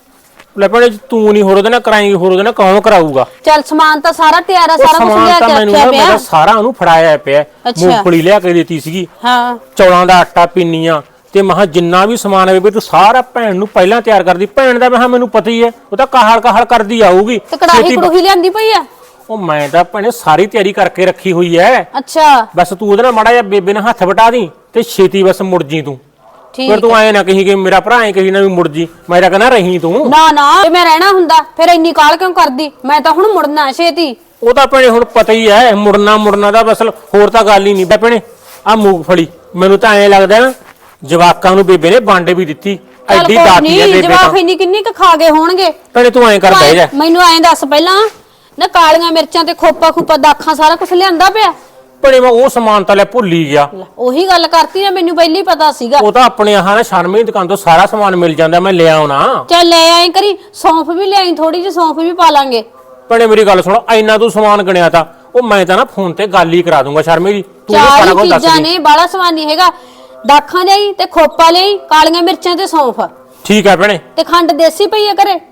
A: ਲੈ ਭੈਣੇ ਤੂੰ ਨਹੀਂ ਹੋਰ ਉਹਦੇ ਨਾਲ ਕਰਾਏਂਗੀ, ਹੋਰ ਉਹਦੇ ਨਾਲ ਕੌਣ ਕਰਾਊਗਾ?
D: ਚੱਲ ਸਮਾਨ ਤਾਂ ਸਾਰਾ ਤਿਆਰ ਆ,
A: ਉਹ
D: ਸਾਰਾ ਕੁਝ
A: ਸਮਾਨ
D: ਲਿਆ
A: ਤਾਂ
D: ਕੇ
A: ਮੈਨੂੰ
D: ਰੱਖਿਆ
A: ਮੈਂ ਤਾਂ
D: ਪਿਆ।
A: ਸਾਰਾ ਉਹਨੂੰ ਫੜਾਇਆ ਪਿਆ।
D: ਅੱਛਾ।
A: ਮੂੰਗਫਲੀ ਲਿਆ ਕੇ ਦਿੱਤੀ ਸੀਗੀ,
D: ਹਾਂ
A: ਚੌਲਾਂ ਦਾ ਆਟਾ, ਪਿੰਨੀਆਂ ਤੇ ਮਹਾ ਜਿੰਨਾ ਵੀ ਸਮਾਨ ਹੈ ਬੇਬੇ ਤੂੰ ਸਾਰਾ ਭੈਣ ਨੂੰ ਪਹਿਲਾਂ ਤਿਆਰ ਕਰਦੀ। ਭੈਣ ਦਾ ਮਹਾ ਮੈਨੂੰ ਪਤਾ ਹੀ ਹੈ, ਉਹ ਤਾਂ ਕਾਹਲ ਕਰਦੀ ਆਊਗੀ।
D: ਤੇ ਕੜਾਹੀ ਕੜੂਹੀ ਲਿਆਂਦੀ ਪਈ ਆ।
A: ਉਹ ਮੈਂ ਤਾਂ ਭੈਣੇ ਸਾਰੀ ਤਿਆਰੀ ਕਰਕੇ ਰੱਖੀ ਹੋਈ ਐ।
D: ਅੱਛਾ
A: ਬਸ ਤੂੰ ਉਹਦੇ ਨਾਲ ਮਾੜਾ ਜਿਹਾ ਬੇਬੇ ਨਾਲ ਹੱਥ ਵਟਾ ਦੀ ਤੇ ਛੇਤੀ ਬਸ ਮੁੜ ਜੀ ਤੂੰ।
D: ਠੀਕ
A: ਫਿਰ ਤੂੰ ਆਏ ਨਾ ਕਹੀ ਕਿ ਮੇਰਾ ਭਰਾ ਐ ਕਹੀ ਨਾ ਵੀ ਮੁੜ ਜੀ, ਮੈਂ ਤਾਂ ਕਹਿੰਦਾ ਰਹੀ ਤੂੰ।
D: ਨਾ ਜੇ ਮੈਂ ਰਹਿਣਾ ਹੁੰਦਾ ਫਿਰ ਇੰਨੀ ਕਾਲ ਕਿਉਂ ਕਰਦੀ? ਮੈਂ ਤਾਂ ਹੁਣ ਮੁੜਨਾ ਛੇਤੀ।
A: ਉਹ ਤਾਂ ਭੈਣੇ ਹੁਣ ਪਤਾ ਹੀ ਐ, ਮੁੜਨਾ ਦਾ ਬਸ, ਹੋਰ ਤਾਂ ਗੱਲ ਹੀ ਨਹੀਂ। ਭੈਣੇ ਆ ਮੂੰਗਫਲੀ ਮੈਨੂੰ ਤਾਂ ਐਂ ਲੱਗਦਾ ਨਾ ਜਵਾਕਾਂ ਨੂੰ ਬੇਬੇ ਨੇ ਵੰਡ ਵੀ ਦਿੱਤੀ, ਐਡੀ ਦਾਤੀ ਐ ਬੇਬੇ
D: ਜਵਾਕ
A: ਤਾਂ।
D: ਇੰਨੀ ਕਿੰਨੀ ਕੁ ਖਾ ਗਏ ਹੋਣਗੇ।
A: ਭੈਣੇ ਤੂੰ ਐਂ ਕਰ ਬਹਿ ਜਾ।
D: ਮੈਨੂੰ ਐਂ ਦੱਸ ਪਹਿਲਾਂ ਨਾ, ਕਾਲੀਆਂ ਮਿਰਚਾਂ ਤੇ ਖੋਪਾ ਦਾਖਾਂ ਸਾਰਾ ਕੁਝ ਲਿਆਂਦਾ ਪਿਆ?
A: ਭੈਣੇ ਮੈਂ ਉਹ ਸਮਾਨ ਤਾਂ ਲੈ ਭੁੱਲ ਹੀ ਗਿਆ।
D: ਉਹੀ ਗੱਲ ਕਰਤੀ ਨਾ, ਮੈਨੂੰ ਪਹਿਲੀ ਪਤਾ ਸੀਗਾ।
A: ਉਹ ਤਾਂ ਆਪਣੇ ਆਹ ਨਾ ਸ਼ਰਮੇ ਦੀ ਦੁਕਾਨ ਤੋਂ ਸਾਰਾ ਸਮਾਨ ਮਿਲ ਜਾਂਦਾ, ਮੈਂ ਲਿਆ ਆਉਣਾ।
D: ਚੱਲ ਲੈ ਆਏ ਕਰੀ, ਸੌਂਫ ਵੀ ਲਿਆਈ, ਥੋੜੀ ਜਿਹੀ ਸੌਂਫ ਵੀ ਪਾ ਲਾਂਗੇ।
A: ਭੈਣੇ ਮੇਰੀ ਗੱਲ ਸੁਣੋ, ਇੰਨਾ ਤੂੰ ਸਮਾਨ ਗਣਿਆ ਤਾਂ ਉਹ ਮੈਂ ਤਾਂ ਨਾ ਫੋਨ ਤੇ ਗੱਲ ਹੀ ਕਰਾ ਦੂੰਗਾ ਸ਼ਰਮੇ ਦੀ। ਤੂੰ ਸਾਰਾ
D: ਚਾਰ
A: ਕੁਝ ਦੱਸ
D: ਚੀਜ਼ਾਂ
A: ਦੇ।
D: ਨੇ, ਬਾਲਾ ਸਮਾਨ ਨਹੀਂ ਹੈਗਾ। ਦਾਖਾਂ ਲਈ ਤੇ ਖੋਪਾ ਲਈ, ਕਾਲੀਆਂ ਮਿਰਚਾਂ ਤੇ ਸੌਂਫ
A: ਠੀਕ ਹੈ ਭੈਣੇ।
D: ਤੇ ਖੰਡ ਦੇਸੀ ਪਈ ਹੈ ਘਰੇ?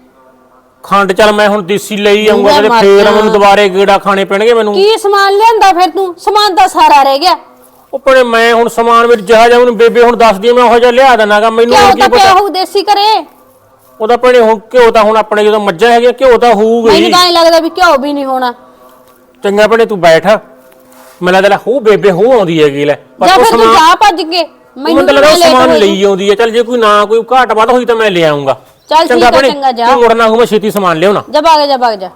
A: ਖੰਡ ਚੱਲ ਮੈਂ ਹੁਣ ਦੇਸੀ ਲਈ ਆਉਂਗਾ ਤੇ
D: ਮਰ
A: ਫੇਰ
D: ਜਾ।
A: ਮੈਨੂੰ ਦੁਬਾਰੇ ਗੇੜਾ ਖਾਣੇ ਪੈਣਗੇ ਮੈਨੂੰ।
D: ਕੀ ਸਮਾਨ ਲਿਆਂਦਾ ਫਿਰ ਤੂੰ? ਸਮਾਨ ਤਾਂ ਸਾਰਾ ਰਹਿ ਗਿਆ।
A: ਉਹ ਭੈਣੇ ਮੈਂ ਹੁਣ ਸਮਾਨ ਵਿੱਚ ਜਿਹਾ ਜਿਹਾ ਮੈਨੂੰ ਬੇਬੇ ਹੁਣ ਦੱਸਦੀ ਆ, ਮੈਂ ਉਹੋ ਜਿਹਾ ਲਿਆ ਦੇਣਾਗਾ। ਮੈਨੂੰ
D: ਘਿਓ
A: ਹੁਣ
D: ਤਾਂ
A: ਕੀ
D: ਪਿਆ
A: ਪਤਾ।
D: ਹੋਊ ਦੇਸੀ ਘਰੇ।
A: ਉਹਦਾ ਭੈਣੇ ਹੁਣ ਘਿਓ ਤਾਂ ਹੁਣ ਆਪਣੇ ਜਦੋਂ ਮੱਝਾਂ ਹੈਗੀਆਂ ਘਿਓ ਤਾਂ ਹੋਊਗਾ
D: ਮੈਨੂੰ
A: ਹੀ।
D: ਤਾਂ ਐਂ ਲੱਗਦਾ ਵੀ ਘਿਓ ਵੀ ਨਹੀਂ ਹੋਣਾ।
A: ਚੰਗਾ ਭੈਣੇ ਤੂੰ ਬੈਠ, ਮੈਨੂੰ ਲੱਗਦਾ ਹੋ ਬੇਬੇ ਹੋ ਆਉਂਦੀ ਹੈਗੀ ਲੈ
D: ਜਾਂ
A: ਉਹ
D: ਫਿਰ ਤੂੰ ਜਾ ਭੱਜ ਕੇ
A: ਮੈਨੂੰ ਤਾਂ ਲੱਗਦਾ ਸਮਾਨ ਲਈ ਆਉਂਦੀ ਹੈ। ਚੱਲ ਜੇ ਕੋਈ ਨਾ ਕੋਈ ਘਾਟ ਵੱਧ ਹੋਈ ਤਾਂ ਮੈਂ ਲੈ ਆਉਂਗਾ।
D: ਚੱਲ ਠੀਕ ਹੈ, ਚੰਗਾ ਜਾ।
A: ਤੂੰ ਮੁੜਨਾ ਹੋਊ, ਮੈਂ ਛੇਤੀ ਸਮਾਨ ਲਿਆਉਣਾ।
D: ਜਾ ਭਾਗ ਜਾ।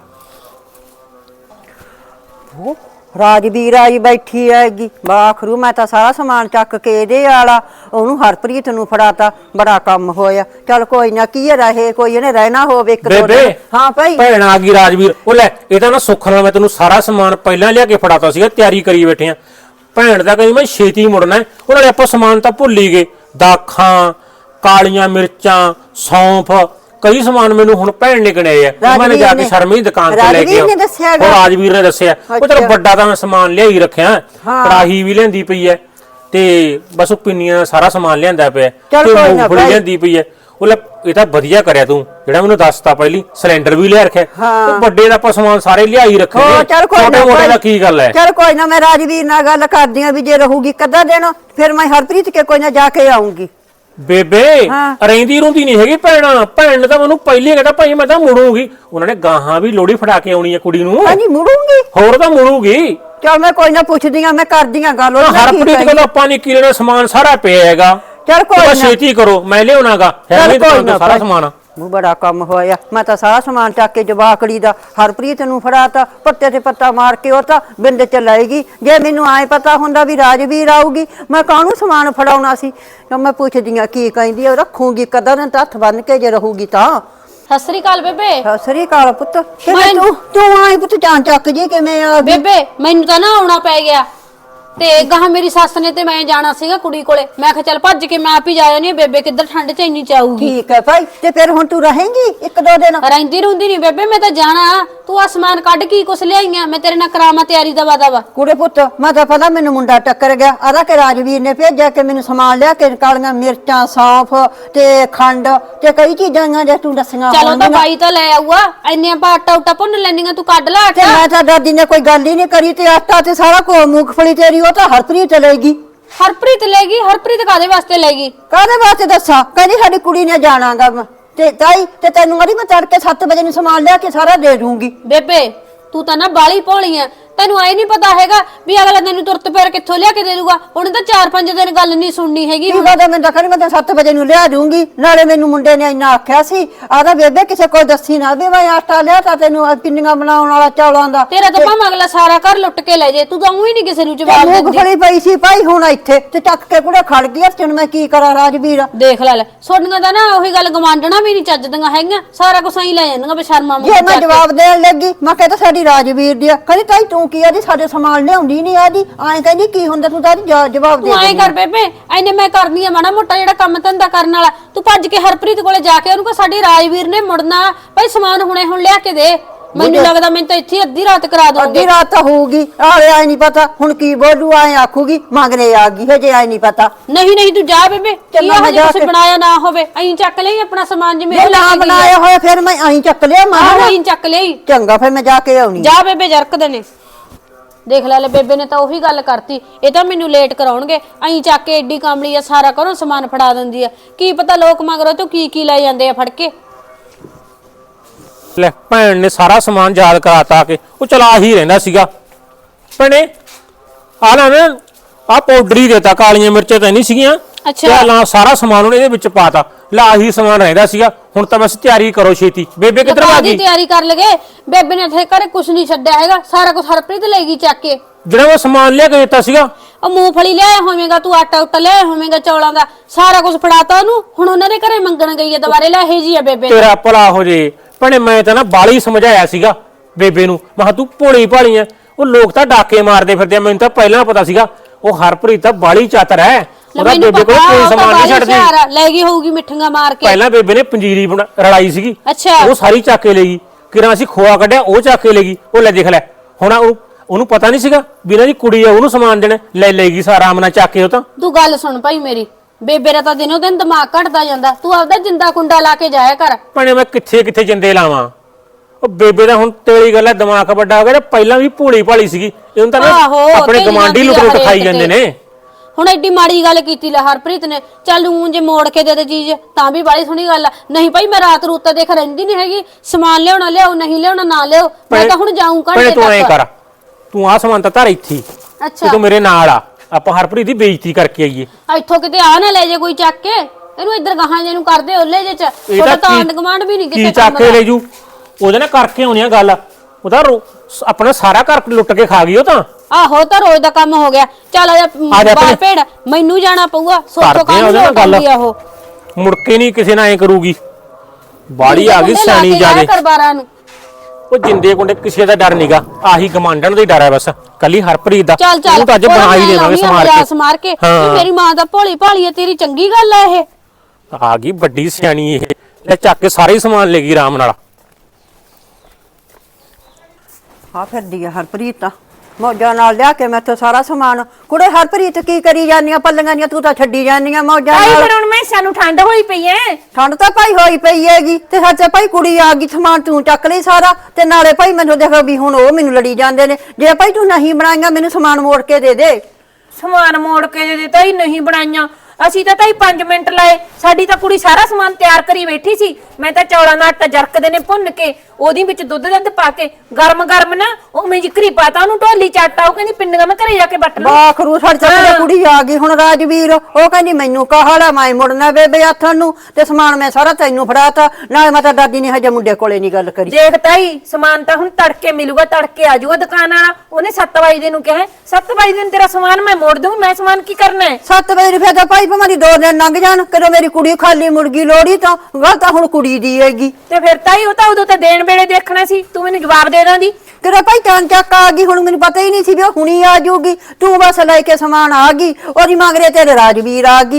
B: ਰਾਜਵੀਰ ਆਈ ਬੈਠੀ ਹੈਗੀ ਬਾਖਰੂ, ਮੈਂ ਤਾਂ ਸਾਰਾ ਸਮਾਨ ਚੱਕ ਕੇ ਇਹਦੇ ਵਾਲਾ ਉਹਨੂੰ ਹਰਪ੍ਰੀਤ ਨੂੰ ਫੜਾਤਾ, ਬੜਾ ਕੰਮ ਹੋਇਆ। ਚੱਲ ਕੋਈ ਨਾ, ਕੀ ਰਹੇ ਕੋਈ ਇਹਨੇ ਰਹਿਣਾ ਹੋਵੇ ਇੱਕ ਦੋ
A: ਬੇਬੇ
B: ਦਿਨ। ਹਾਂ ਭਾਈ
A: ਭੈਣ ਆ ਗਈ ਰਾਜਵੀਰ। ਉਹ ਲੈ ਇਹ ਤਾਂ ਨਾ ਸੁੱਖ ਨਾਲ ਮੈਂ ਤੈਨੂੰ ਸਾਰਾ ਸਮਾਨ ਪਹਿਲਾਂ ਲਿਆ ਕੇ ਫੜਾਤਾ ਸੀਗਾ, ਤਿਆਰੀ ਕਰੀ ਬੈਠੇ ਆ। ਭੈਣ ਦਾ ਕਹਿੰਦੀ ਮੈਂ ਛੇਤੀ ਮੁੜਨਾ, ਉਹਨਾਂ ਨੇ ਆਪਾਂ ਸਮਾਨ ਤਾਂ ਭੁੱਲ ਹੀ ਗਏ। ਦਾਖਾਂ, ਕਾਲੀਆਂ ਮਿਰਚਾਂ, ਸੌਂਫ, ਕਈ ਸਮਾਨ ਮੈਨੂੰ ਹੁਣ ਭੈਣ ਨੇ ਗਣਾਏ ਆ। ਮੈਂ ਜਾ ਕੇ ਸ਼ਰਮੀ ਦੁਕਾਨ ਤੇ ਲੈ ਕੇ ਉਹ ਰਾਜਵੀਰ ਨੇ ਦੱਸਿਆ। ਉਹ ਤੇਰਾ ਵੱਡਾ ਤਾਂ ਮੈਂ ਸਮਾਨ ਲਿਆਈ ਰੱਖਿਆ, ਕੜਾਹੀ ਵੀ ਲੈਂਦੀ ਪਈ ਐ ਤੇ ਬਸ ਉਹ ਪਿੰਨੀਆਂ ਸਾਰਾ ਸਮਾਨ ਲਿਆਂਦਾ ਪਿਆ ਤੇ ਮੂੰਗਫਲੀ ਲੈਂਦੀ ਪਈ ਐ। ਉਹ ਲੈ ਇਹ ਤਾਂ ਵਧੀਆ ਕਰਿਆ ਤੂੰ ਜਿਹੜਾ ਮੈਨੂੰ ਦੱਸਤਾ ਪਹਿਲੀ। ਸਿਲੰਡਰ ਵੀ ਲਿਆ ਰੱਖਿਆ, ਉਹ ਵੱਡੇ ਦਾ ਆਪਾਂ ਸਮਾਨ ਸਾਰੇ ਲਿਆਈ ਰੱਖੇ। ਛੋਟੇ ਮੋਟੇ ਦਾ ਕੀ ਗੱਲ ਐ?
B: ਚਲ ਕੋਈ ਨਾ, ਮੈਂ ਰਾਜਵੀਰ ਨਾਲ ਗੱਲ ਕਰਦੀ ਆ ਵੀ ਜੇ ਰਹੂਗੀ ਕਦਾ ਦਿਨ ਫਿਰ ਮੈਂ ਹਰਪ੍ਰੀਤ ਕੇ ਕੋਈ ਨਾ ਜਾ ਕੇ ਆਉਂਗੀ।
A: ਬੇਬੇ ਰਹਿੰਦੀ ਰੁੰਦੀ ਨਹੀਂ ਹੈਗੀ ਭੈਣ ਨੇ ਤਾਂ ਮੈਨੂੰ ਪਹਿਲੇ ਕਹਿੰਦਾ ਭਾਈ ਮੈਂ ਤਾਂ ਮੁੜੂਗੀ। ਉਹਨਾਂ ਨੇ ਗਾਹਾਂ ਵੀ ਲੋੜੀ ਫੜਾ ਕੇ ਆਉਣੀ ਹੈ ਕੁੜੀ ਨੂੰ।
B: ਹਾਂਜੀ ਮੁੜੂਗੀ,
A: ਹੋਰ ਤਾਂ ਮੁੜੂਗੀ।
B: ਚਲ ਮੈਂ ਕੋਈ ਨਾ ਪੁੱਛਦੀ ਆ, ਮੈਂ ਕਰਦੀ ਆ ਗੱਲ।
A: ਹਰਪ੍ਰੀਤ ਕੋਲ ਆਪਾਂ ਨੇ ਕੀ ਲੈਣਾ, ਸਮਾਨ ਸਾਰਾ ਪਿਆ ਹੈਗਾ।
B: ਚਲ ਕੋਈ ਨਾ,
A: ਛੇਤੀ ਕਰੋ, ਮੈਂ ਲਿਆਉਣਾਗਾ ਸਾਰਾ ਸਮਾਨ।
B: ਉਹ ਬੜਾ ਕੰਮ ਹੋਇਆ, ਮੈਂ ਤਾਂ ਸਾਰਾ ਸਮਾਨ ਚੱਕ ਕੇ ਜਵਾਕੜੀ ਦਾ ਹਰਪ੍ਰੀਤ ਨੂੰ ਫੜਾਤਾ। ਪੱਤੇ ਤੇ ਪੱਤਾ ਮਾਰ ਕੇ ਉਹ ਤਾਂ ਬਿੰਦ ਚ ਲਾਏਗੀ। ਜੇ ਮੈਨੂੰ ਆਏ ਪਤਾ ਹੁੰਦਾ ਵੀ ਰਾਜਵੀਰ ਆਊਗੀ ਮੈਂ ਕਾਹਨੂੰ ਸਮਾਨ ਫੜਾਉਣਾ ਸੀ। ਮੈਂ ਪੁੱਛਦੀ ਆ ਕੀ ਕਹਿੰਦੀ ਆ, ਰੱਖੂਗੀ ਕਦਾ ਦਿਨ ਤਾਂ ਹੱਥ ਬੰਨ ਕੇ ਜੇ ਰਹੂਗੀ ਤਾਂ।
D: ਸਤਿ ਸ੍ਰੀ ਅਕਾਲ ਬੇਬੇ।
B: ਸਤਿ ਸ੍ਰੀ ਅਕਾਲ ਪੁੱਤ। ਤੂੰ ਆਈ ਪੁੱਤ ਜਾਨ ਚੱਕ ਜੀ ਕਿਵੇਂ ਆ ਗਈ?
D: ਬੇਬੇ ਮੈਨੂੰ ਤਾਂ ਨਾ ਆਉਣਾ ਪੈ ਗਿਆ ਤੇ ਗਾਹ ਮੇਰੀ ਸੱਸ ਨੇ ਤੇ ਮੈਂ ਜਾਣਾ ਸੀਗਾ ਕੁੜੀ ਕੋਲੇ। ਮੈਂ ਕਿਹਾ ਚੱਲ ਭੱਜ ਕੇ ਮੈਂ ਆਪ ਹੀ ਜਾ ਜਾਣੀ। ਬੇਬੇ ਕਿੱਧਰ ਠੰਡ ਚ ਇੰਨੀ ਚਾਹੂਗੀ।
B: ਠੀਕ ਹੈ ਭਾਈ, ਤੇ ਫਿਰ ਹੁਣ ਤੂੰ ਰਹੇਂਗੀ ਇੱਕ ਦੋ ਦਿਨ?
D: ਰਹਿੰਦੀ ਰੁੰਦੀ ਨਹੀਂ ਬੇਬੇ, ਮੈਂ ਤਾਂ ਜਾਣਾ। ਤੂੰ ਆਸਮਾਨ ਕੱਢ ਕੀ ਕੁਛ ਲਿਆਈਆਂ? ਮੈਂ ਤੇਰੇ ਨਾਲ ਕਰਾਵਾਂ ਤਿਆਰੀ ਦਾ ਵਾਦਾ।
B: ਕੁੜੇ ਪੁੱਤ ਮੈਂ ਤਾਂ ਪਤਾ ਮੈਨੂੰ ਮੁੰਡਾ ਟੱਕਰ ਗਿਆ। ਆਦਾ ਕਿ ਰਾਜਵੀਰ ਨੇ ਭੇਜਿਆ ਕਿ ਮੈਨੂੰ ਸਮਾਨ ਲਿਆ ਕੇ, ਕਾਲੀਆਂ ਮਿਰਚਾਂ, ਸੌਂਫ ਤੇ ਖੰਡ ਤੇ ਕਈ ਚੀਜ਼ਾਂ ਜੇ ਤੂੰ ਦੱਸੀਆਂ।
D: ਚਲੋ ਤਾਂ ਬਾਈ ਤਾਂ ਲੈ ਆਊਗਾ, ਇੰਨੀਆਂ ਪਾ ਆਟਾ ਉਟਾ ਭੁੰਨ ਲੈਣੀਆਂ, ਤੂੰ ਕੱਢ ਲੈ ਆਟਾ।
B: ਮੈਂ ਤਾਂ ਦਾਦੀ ਨੇ ਕੋਈ ਗੱਲ ਹੀ ਨਹੀਂ ਕਰੀ ਤੇ ਆਟਾ ਤੇ ਸਾਰਾ ਕੋ ਮੂੰਗਫਲੀ ਤੇਰੀ ਉਹ ਤਾਂ ਹਰਪ੍ਰੀਤ ਚਲੇਗੀ।
D: ਹਰਪ੍ਰੀਤ ਲੈਗੀ? ਹਰਪ੍ਰੀਤ ਕਾਦੇ ਵਾਸਤੇ ਲੈਗੀ?
B: ਕਾਹਦੇ ਵਾਸਤੇ ਦੱਸਾਂ? ਕਹਿੰਦੀ ਸਾਡੀ ਕੁੜੀ ਨੇ ਜਾਣਾਗਾ ਤੇ ਤਾਈ ਤੇ ਤੈਨੂੰ ਕਹਿੰਦੀ ਮੈਂ ਤੜਕੇ 7 ਵਜੇ ਨੂੰ ਸਮਾਨ ਲਿਆ ਕੇ ਸਾਰਾ ਦੇ ਦੂੰਗੀ।
D: ਬੇਬੇ ਤੂੰ ਤਾਂ ਨਾ ਬਾਲੀ ਭੋਲੀ ਆ, ਤੈਨੂੰ ਐ ਨਹੀਂ ਪਤਾ ਹੈਗਾ ਵੀ ਅਗਲਾ ਤੈਨੂੰ ਤੁਰਤ ਪੈਰ ਕਿੱਥੋਂ ਲਿਆ ਕੇ ਦੇ ਦੂਗਾ। ਉਹਨੇ ਤਾਂ 4-5 ਦਿਨ ਗੱਲ ਨਹੀਂ ਸੁਣਨੀ ਹੈਗੀ।
B: ਕੀ ਪਤਾ, ਮੈਨੂੰ ਤਾਂ ਕਹਿੰਦੀ ਮੈਂ ਤਾਂ 7 ਵਜੇ ਨੂੰ ਲਿਆ ਦੂੰਗੀ। ਨਾਲੇ ਮੈਨੂੰ ਮੁੰਡੇ ਨੇ ਇੰਨਾ ਆਖਿਆ ਸੀ, ਆਦਾ ਬੇਬੇ ਕਿਸੇ ਕੋਲ ਦੱਸੀ ਨਾ ਵੀ ਮੈਂ ਆਟਾ ਲਿਆ ਤਾਂ ਤੈਨੂੰ ਪਿੰਨੀਆਂ ਬਣਾਉਣ ਵਾਲਾ ਚੌਲਾਂ ਦਾ।
D: ਤੇਰਾ ਤਾਂ ਭਾਵੇਂ ਅਗਲਾ ਸਾਰਾ ਘਰ ਲੁੱਟ ਕੇ ਲੈ ਜੇ, ਤੂੰ ਤਾਂ ਉਹੀ ਨਹੀਂ ਕਿਸੇ ਨੂੰ ਜਵਾਬ ਦਿੰਦੀ।
B: ਮੂੰਗਫਲੀ ਪਈ ਸੀ ਭਾਈ ਹੁਣ ਇੱਥੇ ਤੇ ਚੱਕ ਕੇ ਕੁੜੇ ਖੜ ਗਈ। ਹੁਣ ਮੈਂ ਕੀ ਕਰਾਂ ਰਾਜਵੀਰ?
D: ਦੇਖ ਲੈ ਸੋਡੀਆਂ ਦਾ ਨਾ ਉਹੀ ਗੱਲ ਗਵਾਂਢਣਾ ਵੀ ਨਹੀਂ ਚੱਜਦੀਆਂ ਹੈਗੀਆਂ, ਸਾਰਾ ਕੁਝ ਐਂ ਲੈ ਜਾਂਦੀਆਂ ਬਸ਼ਰਮਾਂ।
B: ਜੇ ਮੈਂ ਜਵਾਬ ਦੇਣ ਲੱਗੀ ਮੈਂ ਕਹਿੰਦਾ ਸਾਡੀ ਰਾਜਵੀਰ ਦੀ ਆ। ਕਹਿੰਦੀ ਤਾਈ ਤੂੰ ਕੀ ਆਦੀ ਸਾਡੇ ਸਮਾਨ ਲਿਆਉਂਦੀ ਨਹੀਂ ਆਦੀ। ਐਂ ਕਹਿੰਦੀ ਕੀ ਹੁੰਦਾ ਤੂੰ ਤਾਂ ਜਵਾਬ ਦੇ।
D: ਤੂੰ ਐਂ ਕਰ ਬੇਬੇ, ਐਨੇ ਮੈਂ ਕਰਨੀ ਆ ਮਾੜਾ ਮੋਟਾ ਜਿਹੜਾ ਕੰਮ ਧੰਦਾ ਕਰਨ ਵਾਲਾ। ਤੂੰ ਭੱਜ ਕੇ ਹਰਪ੍ਰੀਤ ਕੋਲੇ ਜਾ ਕੇ ਉਹਨੂੰ ਕਹ ਸਾਡੀ ਰਾਜਵੀਰ ਨੇ ਮੁੜਨਾ ਭਾਈ, ਸਮਾਨ ਹੁਣੇ ਹੁਣ ਲਿਆ ਕੇ ਦੇ। ਮੈਨੂੰ ਲੱਗਦਾ ਮੈਨੂੰ ਤਾਂ ਇੱਥੇ ਅੱਧੀ ਰਾਤ ਕਰਾ ਦਊਂਗੀ।
B: ਅੱਧੀ ਰਾਤ ਤਾਂ ਹੋਊਗੀ, ਆਲੇ ਆਏ ਨਹੀਂ ਪਤਾ ਹੁਣ ਕੀ ਬੋਲੂ। ਆਏ ਆਖੂਗੀ ਮੰਗਨੇ ਆ ਗਈ ਹਜੇ ਆਏ ਨਹੀਂ ਪਤਾ।
D: ਨਹੀਂ ਤੂੰ ਜਾ ਬੇਬੇ, ਕੀ ਹਜੇ ਕੁਝ ਬਣਾਇਆ ਨਾ ਹੋਵੇ ਐਂ ਚੱਕ ਲਈ ਆਪਣਾ ਸਮਾਨ ਜਿਵੇਂ
B: ਉਹ ਨਾ ਬਣਾਇਆ ਹੋਇਆ ਫਿਰ ਮੈਂ ਐਂ ਚੱਕ ਲਿਆ।
D: ਮੈਂ ਐਂ ਚੱਕ ਲਈ।
B: ਚੰਗਾ ਫਿਰ ਮੈਂ ਜਾ ਕੇ ਆਉਣੀ।
D: ਜਾ ਬੇਬੇ ਜਰਕਦੇ ਨੇ। ਦੇਖ ਲੈ ਬੇਬੇ ਨੇ ਤਾਂ ਉਹੀ ਗੱਲ ਕਰਤੀ, ਇਹ ਤਾਂ ਮੈਨੂੰ ਲੇਟ ਕਰਾਉਣਗੇ। ਐਂ ਚੱਕ ਕੇ ਏਡੀ ਕਾਮਲੀ ਆ, ਸਾਰਾ ਘਰੋਂ ਸਮਾਨ ਫੜਾ ਦਿੰਦੀ ਆ। ਕੀ ਪਤਾ ਲੋਕ ਮਗਰੋਂ ਤੋਂ ਕੀ ਲੈ ਜਾਂਦੇ ਆ ਫੜ ਕੇ।
A: ਲੈ ਭੈਣ ਨੇ ਸਾਰਾ ਸਮਾਨ ਯਾਦ ਕਰਾਤਾ ਕੇ ਉਹ ਚਲਾ ਹੀ ਰਹਿੰਦਾ ਸੀਗਾ। ਭੈਣੇ ਆ ਲੈ ਨਾ ਆ ਪਾਊਡਰ ਹੀ ਦੇਤਾ, ਕਾਲੀਆਂ ਮਿਰਚਾਂ ਤਾਂ ਨਹੀਂ ਸੀਗੀਆਂ।
D: ਅੱਛਾ
A: ਲਾ ਸਾਰਾ ਸਮਾਨ ਉਹਨੇ ਇਹਦੇ ਵਿੱਚ ਪਾਤਾ। ਲਾ ਆਹੀ ਸਮਾਨ ਰਹਿੰਦਾ ਸੀਗਾ। ਹੁਣ ਤਾਂ ਬਸ ਤਿਆਰੀ ਕਰੋ ਛੇਤੀ। ਬੇਬੇ ਕਿੱਧਰ ਆ ਗਈ?
D: ਤਿਆਰੀ ਕਰ ਲਗੇ। ਬੇਬੇ ਨੇ ਇੱਥੇ ਘਰੇ ਕੁਝ ਨਹੀਂ ਛੱਡਿਆ ਹੈਗਾ, ਸਾਰਾ ਕੁਝ ਹਰਪ੍ਰੀਤ ਲੈ ਗਈ ਚੱਕ ਕੇ।
A: ਜਿਹੜਾ ਉਹ ਸਮਾਨ ਲਿਆ ਕੇ ਦਿੱਤਾ ਸੀਗਾ,
D: ਉਹ ਮੂੰਗਫਲੀ ਲਿਆਇਆ ਹੋਵੇਗਾ, ਤੂੰ ਆਟਾ ਉਟਾ ਲਿਆਇਆ ਹੋਵੇਗਾ ਚੌਲਾਂ ਦਾ, ਸਾਰਾ ਕੁਝ ਫੜਾਤਾ ਉਹਨੂੰ। ਹੁਣ ਉਹਨਾਂ ਦੇ ਘਰੇ ਮੰਗਣ ਗਈ ਹੈ ਦੁਬਾਰੇ। ਲੈ ਇਹ ਜੀ ਆ ਬੇਬੇ
A: ਤੇਰਾ ਭਲਾ ਹੋ ਜੇ। ਭੈਣੇ ਮੈਂ ਤਾਂ ਨਾ ਬਾਲੀ ਸਮਝਾਇਆ ਸੀਗਾ ਬੇਬੇ ਨੂੰ, ਮੈਂ ਤੂੰ ਭੋਲੀ ਭਾਲੀ ਐ। ਉਹ ਲੋਕ ਤਾਂ ਡਾਕੇ ਮਾਰਦੇ ਫਿਰਦੇ ਆ, ਮੈਨੂੰ ਤਾਂ ਪਹਿਲਾਂ ਪਤਾ ਸੀਗਾ। ਉਹ ਹਰਪ੍ਰੀਤ ਤਾਂ ਬਾਲੀ ਚਾਤਰ ਹੈ, ਉਹਦਾ ਬੇਬੇ ਕੋਲ ਕੋਈ ਸਮਾਨ ਨਹੀਂ ਛੱਡਦੀ।
D: ਲੈ ਗਈ ਹੋਊਗੀ ਮਿੱਠੀਆਂ ਮਾਰ ਕੇ।
A: ਪਹਿਲਾਂ ਬੇਬੇ ਨੇ ਪੰਜੀਰੀ ਰਲਾਈ ਸੀਗੀ,
D: ਅੱਛਾ
A: ਉਹ ਸਾਰੀ ਚੱਕ ਕੇ ਲੈ ਗਈ। ਕਿਰਾਂ ਅਸੀਂ ਖੋਆ ਕੱਢਿਆ ਉਹ ਚੱਕ ਕੇ ਲੈ ਗਈ। ਉਹ ਲੈ ਦੇਖ ਲੈ ਹੁਣ ਉਹਨੂੰ ਪਤਾ ਨਹੀਂ ਸੀਗਾ ਵੀ ਇਹਨਾਂ ਦੀ ਕੁੜੀ ਆ, ਉਹਨੂੰ ਸਮਾਨ ਦੇਣਾ। ਲੈ ਗਈ ਸਾਰਾ ਆਰਾਮ ਨਾਲ ਚੱਕ ਕੇ। ਉਹ ਤਾਂ
D: ਤੂੰ ਗੱਲ ਸੁਣ ਭਾਈ ਮੇਰੀ, ਬੇਬੇ ਦਾ ਤਾਂ ਦਿਨੋਂ ਦਿਨ ਦਿਮਾਗ ਘਟਦਾ ਜਾਂਦਾ। ਤੂੰ ਆਪਦਾ ਜਿੰਦਾ ਕੁੰਡਾ ਲਾ ਕੇ ਜਾਇਆ ਕਰ।
A: ਭੈਣੇ ਮੈਂ ਕਿੱਥੇ ਜਿੰਦੇ ਲਾਵਾਂ। ਉਹ ਬੇਬੇ ਦਾ ਹੁਣ ਤੇਰੀ ਗੱਲ ਹੈ, ਦਿਮਾਗ ਵੱਡਾ ਹੋ ਗਿਆ। ਪਹਿਲਾਂ ਵੀ ਭੋਲੀ ਭਾਲੀ ਸੀਗੀ, ਇਹਨੂੰ ਤਾਂ ਆਪਣੇ ਗਵਾਂਢੀ ਲੁੱਟ ਖਾਈ ਜਾਂਦੇ ਨੇ।
D: ਹੁਣ ਐਡੀ ਮਾੜੀ ਗੱਲ ਕੀਤੀ ਲੈ ਹਰਪ੍ਰੀਤ ਨੇ। ਚੱਲ ਊਂ ਜੇ ਮੋੜ ਕੇ ਦੇ ਚੀਜ਼ ਤਾਂ ਵੀ ਬਾਲੀ ਸੋਹਣੀ ਗੱਲ ਆ। ਨਹੀਂ ਭਾਈ ਮੈਂ ਰਾਤ ਰੂਤ ਤਾਂ ਦੇਖ ਰਹਿੰਦੀ ਨਹੀਂ ਹੈਗੀ। ਸਮਾਨ ਲਿਆਉਣਾ ਲਿਆਓ, ਨਹੀਂ ਲਿਆਉਣਾ ਨਾ ਲਿਆਓ। ਮੈਂ ਤਾਂ ਹੁਣ ਜਾਊਂ ਘੰਟੇ
A: ਤੂੰ ਐਂ ਕਰ, ਤੂੰ ਆਹ ਸਮਾਨ ਤਾਂ ਧਰ ਇੱਥੇ ਹੀ। ਤੇ
D: ਅੱਛਾ
A: ਤੂੰ ਮੇਰੇ ਨਾਲ ਆ, ਆਪਾਂ ਹਰਪ੍ਰੀਤ ਦੀ ਬੇਇੱਜ਼ਤੀ ਕਰਕੇ ਆਈਏ।
D: ਇੱਥੋਂ ਕਿਤੇ ਆ ਨਾ ਲੈ ਜੇ ਕੋਈ ਚੱਕ ਕੇ, ਇਹਨੂੰ ਇੱਧਰ ਗਾਹਾਂ ਜੇ ਨੂੰ ਕਰਦੇ ਓਲੇ ਜੇ ਚ
A: ਇਹ
D: ਤੁਹਾਡਾ
A: ਤਾਂ
D: ਤਾਂ
A: ਕੀ-
D: ਆਂਡ ਕਮਾਂਡ ਵੀ ਨਹੀਂ
A: ਕੀ
D: ਕਿਸੇ
A: ਚੱਕ
D: ਕੰਮ
A: ਕੇ
D: ਦਾ।
A: ਲੈ ਜੂ, ਉਹਦੇ ਨਾਲ ਕਰਕੇ ਆਉਣੀ ਆ ਗੱਲ। ਉਹਦਾ ਆਪਣਾ ਸਾਰਾ ਘਰ ਲੁੱਟ ਕੇ ਖਾ ਗਈ ਉਹ ਤਾਂ।
D: ਆਹੋ ਤਾਂ ਰੋਜ਼ ਦਾ ਕੰਮ ਹੋ ਗਿਆ। ਚੱਲ ਆ ਜਾ
A: ਆ ਜਾ
D: ਬਾਹਰ
A: ਭੈਣੇ।
D: ਭੇੜ, ਮੈਨੂੰ ਜਾਣਾ ਪਊਗਾ। ਸੋਚੋ
A: ਕਰਦੇ ਆ
D: ਕੰਮ
A: ਉਹਦੇ ਨਾਲ ਗੱਲ।
D: ਕਰਦੀ ਆ ਉਹ
A: ਮੁੜ ਕੇ ਨਹੀਂ ਕਿਸੇ ਨਾਲ ਐ ਕਰੂਗੀ। ਬਾੜੀ ਆ ਗਈ
D: ਕੁੰਡੇ ਲਾ
A: ਸਿਆਣੀ
D: ਕੇ ਜਾਇਆ
A: ਜਾਦੇ।
D: ਕਰ ਬਾਰਾਂ ਨੂੰ।
A: ਉਹ ਜਿੰਦੇ ਗੁੰਡੇ ਕਿਸੇ ਦਾ ਡਰ ਨਹੀਂਗਾ, ਆਹੀ ਕਮਾਂਡਣ ਦਾ ਹੀ ਡਰ ਹੈ ਬਸ, ਕੱਲੀ ਹਰਪ੍ਰੀਤ ਦਾ।
D: ਚੱਲ ਚੱਲ
A: ਉਹਨੂੰ ਤਾਂ ਅੱਜ ਬਣਾ ਹੀ ਦੇਵਾਂਗੇ
D: ਸਮਾਰ ਕੇ।
A: ਹਾਂ।
D: ਤੂੰ ਮੇਰੀ ਮਾਂ ਦਾ ਭੋਲੀ ਭਾਲੀ ਹੈ, ਤੇਰੀ ਚੰਗੀ ਗੱਲ ਹੈ ਇਹ।
A: ਆ ਗਈ ਵੱਡੀ ਸਿਆਣੀ ਇਹ, ਲੈ ਚੱਕ ਕੇ ਸਾਰਾ ਹੀ ਸਮਾਨ ਲੈ ਗਈ ਆਰਾਮ ਨਾਲ।
B: ਆ ਫਿਰਦੀ ਆ ਹਰਪ੍ਰੀਤ ਤਾਂ ਮੌਜਾਂ ਨਾਲ ਲਿਆ ਕੇ ਮੈਥੋਂ ਸਾਰਾ ਸਮਾਨ। ਕੁੜੇ ਹਰਪ੍ਰੀਤ ਕੀ ਕਰੀ ਜਾਂਦੀਆਂ ਪੱਲੀਆਂ ਦੀਆਂ, ਤੂੰ ਤਾਂ ਛੱਡੀ ਜਾਂਦੀਆਂ ਮੌਜਾਂ
C: ਤਾਈ
B: ਨਾਲ।
C: ਫਿਰ ਹੁਣ ਮੈਂ ਸਾਨੂੰ ਠੰਡ ਹੋਈ ਪਈ ਐ।
B: ਠੰਡ ਤਾਂ ਭਾਈ ਹੋਈ ਪਈ ਹੈਗੀ ਤੇ ਸੱਚੇ ਭਾਈ ਕੁੜੀ ਆ ਗਈ, ਸਮਾਨ ਤੂੰ ਚੱਕ ਲਈ ਸਾਰਾ। ਤੇ ਨਾਲੇ ਭਾਈ ਮੈਨੂੰ ਦੇਖੋ ਵੀ ਹੁਣ ਉਹ ਮੈਨੂੰ ਲੜੀ ਜਾਂਦੇ ਨੇ, ਜੇ ਭਾਈ ਤੂੰ ਨਹੀਂ ਬਣਾਏਗਾ ਮੈਨੂੰ ਸਮਾਨ ਮੋੜ ਕੇ ਦੇ ਦੇ।
C: ਸਮਾਨ ਮੋੜ ਕੇ ਦੇ ਤਾਈ ਨਹੀਂ ਬਣਾਈਆਂ। ਅਸੀਂ ਤਾਂ ਤਾਈ 5 ਮਿੰਟ ਲਾਏ। ਸਾਡੀ ਤਾਂ ਕੁੜੀ ਸਾਰਾ ਸਮਾਨ ਤਿਆਰ ਕਰੀ ਬੈਠੀ ਸੀ। ਮੈਂ ਤਾਂ ਚੌਲਾਂ ਦਾ ਆਟਾ ਜਰਕਦੇ ਨੇ ਭੁੰਨ ਕੇ ਉਹਦੇ ਵਿੱਚ ਦੁੱਧ ਪਾ ਕੇ ਗਰਮ ਨਾ ਉਹ ਮੈਂ ਜਿਕਰੀ ਪਾਤਾ ਉਹਨੂੰ ਢੋਲੀ ਚ ਆਟਾ। ਉਹ ਕਹਿੰਦੀ ਪਿੰਡੀਆਂ ਮੈਂ ਘਰੇ ਜਾ ਕੇ ਵੱਟ ਲਵਾਂ।
B: ਬਾਖਰੂ ਸਾਡੇ ਚੱਕਰੇ ਕੁੜੀ ਆ ਗਈ ਹੁਣ ਰਾਜਵੀਰ। ਉਹ ਕਹਿੰਦੀ ਮੈਨੂੰ ਕਹਾੜਾ ਮੈਂ ਮੁੜਨਾ ਬੇਬੇ ਆਥਣ ਨੂੰ, ਤੇ ਸਮਾਨ ਮੈਂ ਸਾਰਾ ਤੈਨੂੰ ਫੜਾਤਾ। ਨਾਲੇ ਮੈਂ ਤਾਂ ਦਾਦੀ ਨੇ ਹਜੇ ਮੁੰਡੇ ਕੋਲੇ ਨਹੀਂ ਗੱਲ ਕਰੀ।
C: ਦੇਖ ਤਾਈ ਸਮਾਨ ਤਾਂ ਹੁਣ ਤੜਕੇ ਮਿਲੂਗਾ, ਤੜਕੇ ਆ ਜਾਊਗਾ ਦੁਕਾਨ ਵਾਲਾ। ਉਹਨੇ 7 ਵਜੇ ਨੂੰ ਕਿਹਾ 7 ਵਜੇ ਨੂੰ ਤੇਰਾ ਸਮਾਨ ਮੈਂ ਮੋੜ ਦੂੰਗੀ। ਮੈਂ ਸਮਾਨ ਕੀ ਕਰਨਾ ਹੈ?
B: 7 ਵਜੇ ਫਿਰ ਤਾਂ ਭਾਈ ਭਾਵੇਂ 2 ਦਿਨ ਲੰਘ ਜਾਣ, ਕਦੋਂ ਮੇਰੀ ਕੁੜੀ ਖਾਲੀ ਮੁੜ ਗਈ ਲੋੜੀ ਤਾਂ ਗੱਲ ਤਾਂ ਹੁਣ ਕੁੜੀ ਦੀ ਹੈਗੀ।
C: ਤੇ ਫਿਰ ਤਾਈ ਉਹ ਤਾਂ ਉਦੋਂ ਤਾਂ ਦੇਣ ਵੇਲੇ ਦੇਖਣਾ ਸੀ, ਤੂੰ ਮੈਨੂੰ ਜਵਾਬ ਦੇ ਦਾਂਦੀ।
B: ਤੇਰਾ ਭਾਈ ਚਾਨ ਚੱਕ ਆ ਗਈ, ਹੁਣ ਮੈਨੂੰ ਪਤਾ ਹੀ ਨਹੀਂ ਸੀ ਵੀ ਉਹ ਹੁਣੀ ਆ ਜਾਊਗੀ। ਤੂੰ ਬਸ ਲੈ ਕੇ ਸਮਾਨ ਆ ਗਈ, ਉਹਦੀ ਮਗਰੇ ਤੇਰੇ ਰਾਜਵੀਰ ਆ ਗਈ।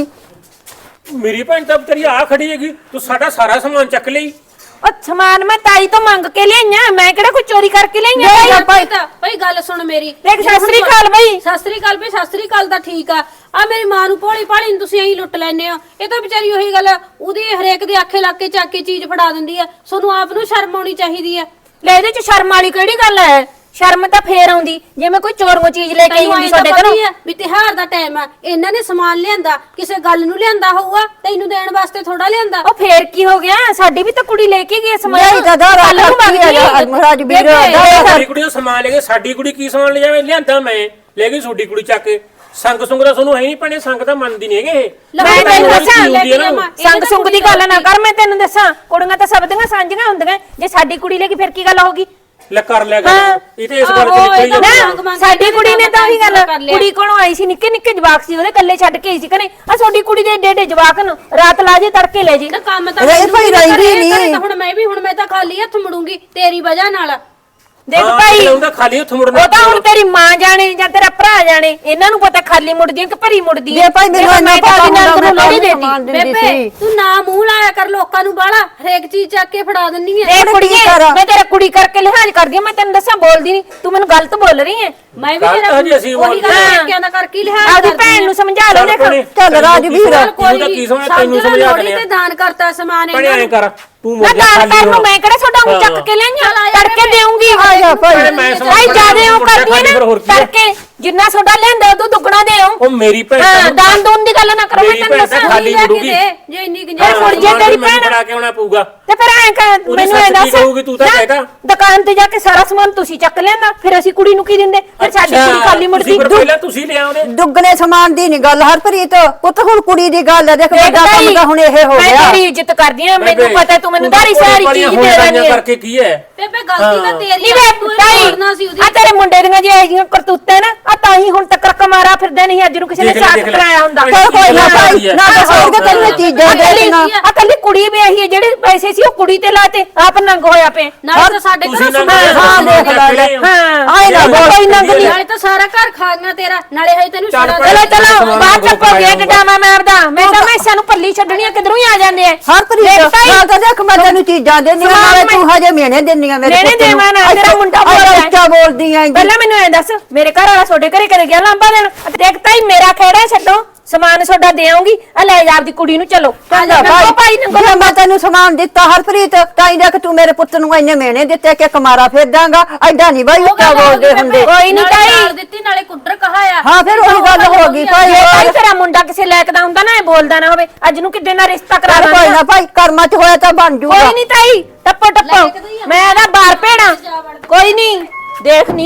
A: ਮੇਰੀ ਭੈਣ ਤਾਂ ਤੇਰੀ ਆ ਖੜੀ ਹੈਗੀ, ਤੂੰ ਸਾਡਾ ਸਾਰਾ ਸਮਾਨ ਚੱਕ ਲਈ।
C: ਉਹ ਸਮਾਨ ਮੈਂ ਤਾਈ ਤੋਂ ਮੰਗ ਕੇ ਲਿਆਈਆਂ, ਮੈਂ ਕਿਹੜਾ ਕੋਈ ਚੋਰੀ ਕਰਕੇ ਲਿਆਈਆਂ
B: ਲੈ ਜਾ
C: ਤਾਈ।
D: ਭਾਈ ਗੱਲ ਸੁਣ ਮੇਰੀ।
C: ਦੇਖ ਸਤਿ ਸ੍ਰੀ ਅਕਾਲ ਬਈ।
D: ਸਤਿ ਸ੍ਰੀ ਅਕਾਲ ਬਈ, ਸਤਿ ਸ੍ਰੀ ਅਕਾਲ ਤਾਂ ਠੀਕ ਆ। ਆ ਮੇਰੀ ਮਾਂ ਨੂੰ ਭੋਲੀ ਭਾਲੀ ਨੂੰ ਤੁਸੀਂ ਐਂ ਲੁੱਟ ਲੈਨੇ ਹੋ। ਇਹ ਤਾਂ ਵਿਚਾਰੀ ਉਹੀ ਗੱਲ ਆ, ਉਹਦੀ ਹਰੇਕ ਦੇ ਆਖੇ ਲੱਗ ਕੇ ਚੱਕ ਕੇ ਚੀਜ਼ ਫੜਾ ਦਿੰਦੀ ਆ। ਤੁਹਾਨੂੰ ਆਪ ਨੂੰ ਸ਼ਰਮ ਆਉਣੀ ਚਾਹੀਦੀ ਆ।
C: ਲੈ ਇਹਦੇ ਚ ਸ਼ਰਮ ਵਾਲੀ ਕਿਹੜੀ ਗੱਲ ਹੈ? ਸ਼ਰਮ ਤਾਂ ਫੇਰ ਆਉਂਦੀ ਜੇ ਮੈਂ ਕੋਈ ਚੋਰੋਂ ਚੀਜ਼ ਲੈ ਕੇ ਆਈ ਹੁੰਦੀ ਤੁਹਾਡੇ ਘਰੋਂ।
D: ਵੀ ਤਿਉਹਾਰ ਦਾ ਟਾਈਮ ਆ, ਇਹਨਾਂ ਨੇ ਸਮਾਨ ਲਿਆਂਦਾ, ਕਿਸੇ ਗੱਲ ਨੂੰ ਲਿਆਂਦਾ ਹੋਊਗਾ, ਤੈਨੂੰ ਦੇਣ ਵਾਸਤੇ ਥੋੜਾ ਲਿਆਂਦਾ।
C: ਉਹ ਫੇਰ ਕੀ ਹੋ ਗਿਆ? ਸਾਡੀ ਵੀ ਤਾਂ ਕੁੜੀ ਲੈ ਕੇ ਗਈ ਸਮਾਨ।
B: ਨਹੀਂ ਤਾਂ ਦਾਦਾ
C: ਕੱਲ੍ਹ ਨੂੰ ਮੰਗ ਲਈ।
B: ਰਾਜਵੀਰ
A: ਸਾਡੀ ਕੁੜੀ ਦਾ ਸਮਾਨ ਲੈ ਕੇ, ਸਾਡੀ ਕੁੜੀ ਕੀ ਸਮਾਨ ਲੈ ਜਾਵੇ? ਲਿਆਂਦਾ ਮੈਂ, ਲੈ ਗਈ ਤੁਹਾਡੀ ਕੁੜੀ ਚੱਕ ਕੇ। ਸੰਗ ਸੁੰਗ ਦਾ ਤੁਹਾਨੂੰ ਹੈ ਨਹੀਂ ਭੈਣੇ, ਸੰਗ ਤਾਂ ਮੰਨਦੀ ਨਹੀਂ ਹੈਗੇ ਇਹ।
C: ਮੈਂ ਤੈਨੂੰ ਦੱਸਾਂ
A: ਇਹ
C: ਸੰਗ ਸੁੰਗ ਦੀ ਗੱਲ ਨਾ ਕਰ। ਮੈਂ ਤੈਨੂੰ ਦੱਸਾਂ ਕੁੜੀਆਂ ਤਾਂ ਸਭ ਦੀਆਂ ਸਾਂਝੀਆਂ ਹੁੰਦੀਆਂ। ਜੇ ਸਾਡੀ ਕੁੜੀ ਲੈ ਕੇ ਫਿਰ ਕੀ ਗੱਲ ਹੋਗੀ?
A: ਲੈ ਕਰ ਲਿਆ ਗੱਲ।
C: ਹਾਂ।
A: ਇਹ ਤੇ ਇਸ ਗੱਲ ਤੇ ਨਿਕਲੀ
C: ਨਾ,
A: ਜਾਂਦੀ।
C: ਸਾਡੀ ਕੁੜੀ ਨੇ ਤਾਂ ਉਹੀ ਗੱਲ, ਕੁੜੀ ਕੋਲੋਂ ਆਈ ਸੀ, ਨਿੱਕੇ ਨਿੱਕੇ ਜਵਾਕ ਸੀ ਉਹਦੇ, ਕੱਲੇ ਛੱਡ ਕੇ ਆਈ ਸੀ ਘਰੇ। ਆ ਤੁਹਾਡੀ ਕੁੜੀ ਦੇ ਏਡੇ ਏਡੇ ਜਵਾਕ ਨੂੰ ਰਾਤ ਲਾ ਜੇ ਤੜਕੇ ਲੈ ਜੀ।
D: ਨਾ ਕੰਮ ਤਾਂ
B: ਅਰੇ ਭਾਈ ਰਹਿੰਦੀ ਨਹੀਂ।
D: ਹੁਣ ਮੈਂ ਤਾਂ ਖਾਲੀ ਹੱਥ ਮੁੜੂੰਗੀ ਤੇਰੀ ਵਜ੍ਹਾ ਨਾਲ।
C: ਦੇਖ
A: ਹਾਂ,
C: ਭਾਈ
A: ਉਹਦਾ ਖਾਲੀ ਹੱਥ ਮੁੜਨਾ।
C: ਉਹ ਤਾਂ ਹੁਣ ਤੇਰੀ ਮਾਂ ਜਾਣੇ ਜਾਂ ਤੇਰਾ ਭਰਾ ਜਾਣੇ, ਇਹਨਾਂ ਨੂੰ ਪਤਾ ਖਾਲੀ ਮੁੜਦੀ ਕਿ ਭਰੀ ਮੁੜਦੀ
B: ਜੇ ਭਾਈ ਮੈਨੂੰ ਇੰਨਾ
C: ਮੈਂ ਤਾਂ
B: ਪਤਾ
C: ਉਹਦੀ
B: ਹੁੰਦਾ
C: ਨਣਦ ਨੂੰ
B: ਮੈਂ
C: ਲੋਹੜੀ
B: ਸਮਾਨ
C: ਦੇਤੀ।
B: ਦਿੰਦੀ
D: ਬੇਬੇ
B: ਸੀ।
D: ਤੂੰ ਨਾ ਮੂੰਹ ਲਾਇਆ ਕਰ ਲੋਕਾਂ ਨੂੰ ਬਾਲਾ, ਹਰੇਕ ਚੀਜ਼ ਚੱਕ ਕੇ ਫੜਾ ਦਿੰਨੀ ਐ।
C: ਇਹ ਕੁੜੀਏ ਮੈਂ ਤੇਰਾ ਕੁੜੀ ਕਰਕੇ ਲਿਹਾਜ਼ ਕਰਦੀ ਆ। ਮੈਂ ਤੈਨੂੰ ਦੱਸਾਂ ਬੋਲਦੀ ਨਹੀਂ, ਤੂੰ ਮੈਨੂੰ ਗਲਤ ਬੋਲ ਰਹੀ ਹੈ।
D: ਮੈਂ ਵੀ
A: ਗਲਤ
D: ਤੇਰਾ
A: ਹਜੇ ਅਸੀਂ
D: ਉਹੀ ਗੱਲ
C: ਹਾਂ।
D: ਪੇਕਿਆਂ ਦਾ ਕਰਕੇ ਲਿਹਾਜ਼
C: ਆਪਦੀ
D: ਕਰਦੀ
C: ਭੈਣ
D: ਆਂ।
C: ਨੂੰ ਸਮਝਾ ਲਓ। ਦੇਖ
B: ਚੱਲ ਰਾਜਵੀਰ
A: ਤੈਨੂੰ ਤਾਂ ਕੀ ਸਮਝ, ਤੈਨੂੰ ਸਮਝਾ
D: ਲੋਹੜੀ
A: ਦਿੰਦੇ
D: ਤੇ
A: ਆ।
D: ਦਾਨ ਕਰਤਾ ਸਮਾਨ
A: ਭੈਣੇ
D: ਇਹਨਾਂ
A: ਐਂ
D: ਨੂੰ।
A: ਕਰ, ਤੂੰ
C: ਮੈਂ
A: ਮੁੜ ਜਾ
C: ਦਾਨ
A: ਖਾਲੀ
C: ਕਰਨ ਨੂੰ ਮੈਂ ਕਿਹੜਾ ਤੁਹਾਡਾ ਊਂ ਚੱਕ ਕੇ ਲਿਆਈਆਂ, ਤੜਕੇ ਦੇਉਂਗੀ।
B: ਆ ਜਾ ਭਾਈ।
A: ਮੈਂ ਸਮਝ
C: ਭਾਈ ਜਿਆਦੇ ਉਹ
A: ਮੁੜ ਜਾ
C: ਕਰਦੀ
A: ਖਾਲੀ,
C: ਹੈ
A: ਫਿਰ
C: ਨਾ
A: ਹੋਰ ਕੀ ਹੈ?
C: ਤੜਕੇ ਜਿੰਨਾ ਤੁਹਾਡਾ ਲੈਂਦਾ ਉਹ ਦੁੱਗਣਾ ਦੇਉ।
A: ਉਹ ਮੇਰੀ ਭੈਣ
C: ਹਾਂ
A: ਤਾਂ-
C: ਦਾਨ ਦੂਨ ਦੀ ਗੱਲ ਨਾ ਕਰੋ। ਮੈਂ
A: ਮੇਰੀ
C: ਤੈਨੂੰ
A: ਭੈਣ ਤਾਂ
C: ਦੱਸਾਂ
A: ਖਾਲੀ
D: ਲੈ ਕੇ
A: ਮੁੜੂਗੀ।
D: ਦੇ, ਜੇ ਇੰਨੀ
C: ਫਿਰ
D: ਗੁੰਜਾਇਸ਼
C: ਮੁੜ ਜੇ ਤੇਰੀ
A: ਮੈਨੂੰ
C: ਭੈਣ
A: ਬਣਾ ਕੇ ਆਉਣਾ ਪਊਗਾ।
C: ਤੇ ਫਿਰ ਐਂ ਕਰ
A: ਉਹਦੀ
C: ਮੈਨੂੰ ਇਹ
A: ਸੱਸ ਕੀ
C: ਦੱਸ
A: ਕਹੂਗੀ, ਤੂੰ ਤਾਂ
C: ਨਾ,
A: ਕਹਿ ਤਾ।
C: ਦੁਕਾਨ ਤੇ ਜਾ ਕੇ ਸਾਰਾ ਸਮਾਨ ਤੁਸੀਂ ਚੱਕ ਲਿਆਂਦਾ, ਫਿਰ ਅਸੀਂ ਕੁੜੀ ਨੂੰ ਕੀ ਦਿੰਦੇ? ਫਿਰ ਸਾਡੀ ਕੁੜੀ ਖਾਲੀ ਮੁੜਦੀ।
A: ਤੁਸੀਂ ਫਿਰ ਪਹਿਲਾਂ ਤੁਸੀਂ ਲਿਆਉਂਦੇ।
B: ਦੁੱਗਣੇ ਸਮਾਨ ਦੀ ਨਹੀਂ ਗੱਲ ਹਰਪ੍ਰੀਤ, ਪੁੱਤ ਹੁਣ ਕੁੜੀ ਦੀ ਗੱਲ ਹੈ। ਦੇਖ ਵੱਡਾ ਕੰਮ ਤਾਂ ਹੁਣ ਇਹ ਹੋ
C: ਮੈਂ
B: ਗਿਆ।
C: ਤੇਰੀ ਇੱਜ਼ਤ ਕਰਦੀ ਆ, ਮੈਨੂੰ ਪਤਾ ਤੂੰ ਮੈਨੂੰ ਸਾਰੀ ਸਾਰੀ ਚੀਜ਼ ਦੇ ਦੇਣੀ ਹੈ।
A: ਕਰਕੇ ਕੀ ਹੈ?
D: ਬੇਬੇ ਗਲਤੀ ਤਾਂ ਤੇਰੀ
C: ਨਹੀਂ
D: ਆ,
C: ਵੇ
D: ਤੂੰ ਇਹ
C: ਤਾਈ
D: ਤੋੜਨਾ ਸੀ ਉਹਦੀ।
C: ਆ ਤੇਰੇ ਮੁੰਡੇ ਦੀਆਂ ਜੇ ਇਹ ਜਿਹੀਆਂ ਕਰਤੂਤਾਂ ਨਾ ਆ ਤਾਂ ਹੀ ਹੁਣ ਤੱਕ ਕਮਾਰਾ ਫਿਰਦਾ ਨਹੀਂ। ਅੱਜ ਨੂੰ ਕਿਸੇ ਨੇ
A: ਦੇਖ ਲੈ,
C: ਸਾਥ
A: ਦੇਖ ਲੈ।
C: ਕਰਾਇਆ ਹੁੰਦਾ।
B: ਚੱਲ ਕੋਈ ਨਾ ਭਾਈ, ਨਾ ਦੱਸੋਗੇ ਤੈਨੂੰ ਚੀਜ਼ਾਂ ਦੇ ਦੇਣਾ।
C: ਆ ਕੱਲੀ ਕੁੜੀ ਵੀ ਇਹੀ ਹੈ, ਜਿਹੜੇ ਪੈਸੇ ਸੀ ਉਹ ਕੁੜੀ ਤੇ ਲਾਤੇ, ਆਪ ਨੰਗ ਹੋਇਆ ਪਏ।
D: ਨਾਲੇ ਤਾਂ ਸਾਡੇ
A: ਤੁਸੀਂ
D: ਘਰੋਂ
A: ਨਾ
D: ਸਮਾਨ
B: ਹਾਂ, ਦੇਖ ਲੈ।
C: ਹਾਂ
B: ਆਏ ਨਾ ਬੋਲ।
C: ਕੋਈ ਨੰਗ ਨਹੀਂ।
D: ਨਾਲੇ ਤਾਂ ਸਾਰਾ ਘਰ ਖਾਣਾ ਤੇਰਾ, ਨਾਲੇ ਹਜੇ ਤੈਨੂੰ
A: ਚੱਲ
D: ਛੜਾ
A: ਭੈਣੇ,
C: ਚਲੋ ਚਲੋ
A: ਸਮਾਨ
C: ਬਾਅਦ ਚ
A: ਗਰੁੱਪ
C: ਪੋ ਗਿਆ
A: ਬਣਾਇਆ
C: ਡਾਮਾ ਮਾਰਦਾ। ਮੈਂ ਤਾਂ ਮੈਸਾਂ ਨੂੰ ਪੱਲੀ ਛੱਡਣੀਆਂ ਕਿਧਰੋਂ ਹੀ ਆ ਜਾਂਦੇ ਆ।
B: ਹਰਪ੍ਰੀਤ
C: ਦੇਖ ਤਾਈ,
B: ਨਾਲ ਤਾਂ ਦੇਖ ਮੈਂ ਤੈਨੂੰ ਚੀਜ਼ਾਂ ਦੇਣੀਆਂ,
C: ਸਮਾਨ
B: ਨਾਲੇ
C: ਮੈਂ-
B: ਤੂੰ ਹਜੇ ਮਿਹਣੇ ਦੇਣੀਆਂ ਮੇਰੇ
C: ਮਿਹਣੇ
B: ਪੁੱਤ ਨੂੰ।
C: ਦੇਵਾਂ ਨਾ, ਤੇਰਾ ਮੁੰਡਾ ਬੋਲਦਾ ਹੈ।
B: ਉੱਚਾ ਬੋਲਦੀ ਆਂ।
C: ਪਹਿਲਾਂ ਮੈਨੂੰ ਐ ਦੱਸ, ਮੇਰੇ ਘਰ ਵਾਲਾ ਤੁਹਾਡੇ ਘਰੇ ਕਦੇ ਗਿਆ ਲਾਂਬਾ ਦੇਣ? ਦੇਖ ਤਾਈ ਮੇਰਾ ਖੇੜਾ ਛੱਡੋ, ਸਮਾਨ ਤੁਹਾਡਾ ਦੇ ਆਉਂਗੀ। ਆ ਲੈ ਜਾ ਆਪਦੀ ਕੁੜੀ ਨੂੰ, ਚਲੋ
B: ਚੰਗਾ
C: ਨੰਗੋ ਭਾਈ ਨੰਗੋ।
B: ਜੇ ਮੈਂ ਤੈਨੂੰ ਸਮਾਨ ਦਿੱਤਾ ਹਰਪ੍ਰੀਤ, ਤਾਂ ਹੀ ਦੇਖ ਤੂੰ ਮੇਰੇ ਪੁੱਤ ਨੂੰ ਇੰਨੇ ਮਿਹਣੇ ਦਿੱਤੇ ਕਿ ਕਮਾਰਾ ਫੇਰ ਦਾਂਗਾ। ਐਡਾ ਨਹੀਂ ਬਾਈ ਉੱਚਾ ਬੋਲਦੇ ਹੁੰਦੇ।
C: ਕੋਈ ਨਹੀਂ ਤਾਈ।
D: ਨਾਲੇ ਦਿੱਤੀ ਨਾਲੇ ਕੁੱਟਰ ਕਹਾਇਆ।
B: ਹਾਂ ਫਿਰ ਉਹੀ ਗੱਲ ਹੋ ਗਈ ਭਾਈ।
C: ਜੇ ਤਾਈ ਤੇਰਾ ਮੁੰਡਾ ਕਿਸੇ ਲਾਇਕ ਦਾ ਹੁੰਦਾ ਨਾ, ਇਹ ਬੋਲਦਾ ਨਾ ਹੋਵੇ। ਅੱਜ ਨੂੰ ਕਿੱਡੇ ਨਾਲ ਰਿਸ਼ਤਾ ਕਰਾ
B: ਚੱਲ ਕੋਈ
C: ਦਾਂਗਾ।
B: ਨਾ ਭਾਈ, ਕਰਮਾਂ ਚ ਹੋਇਆ ਤਾਂ ਬਣ ਜੂਗਾ।
C: ਕੋਈ ਨਹੀਂ ਤਾਈ, ਟੱਪੋ ਟੱਪੋ, ਮੈਂ ਇਹਦਾ ਬਾਹਰ ਭੇੜਾਂ। ਕੋਈ ਨਹੀਂ, ਦੇਖ ਨੀ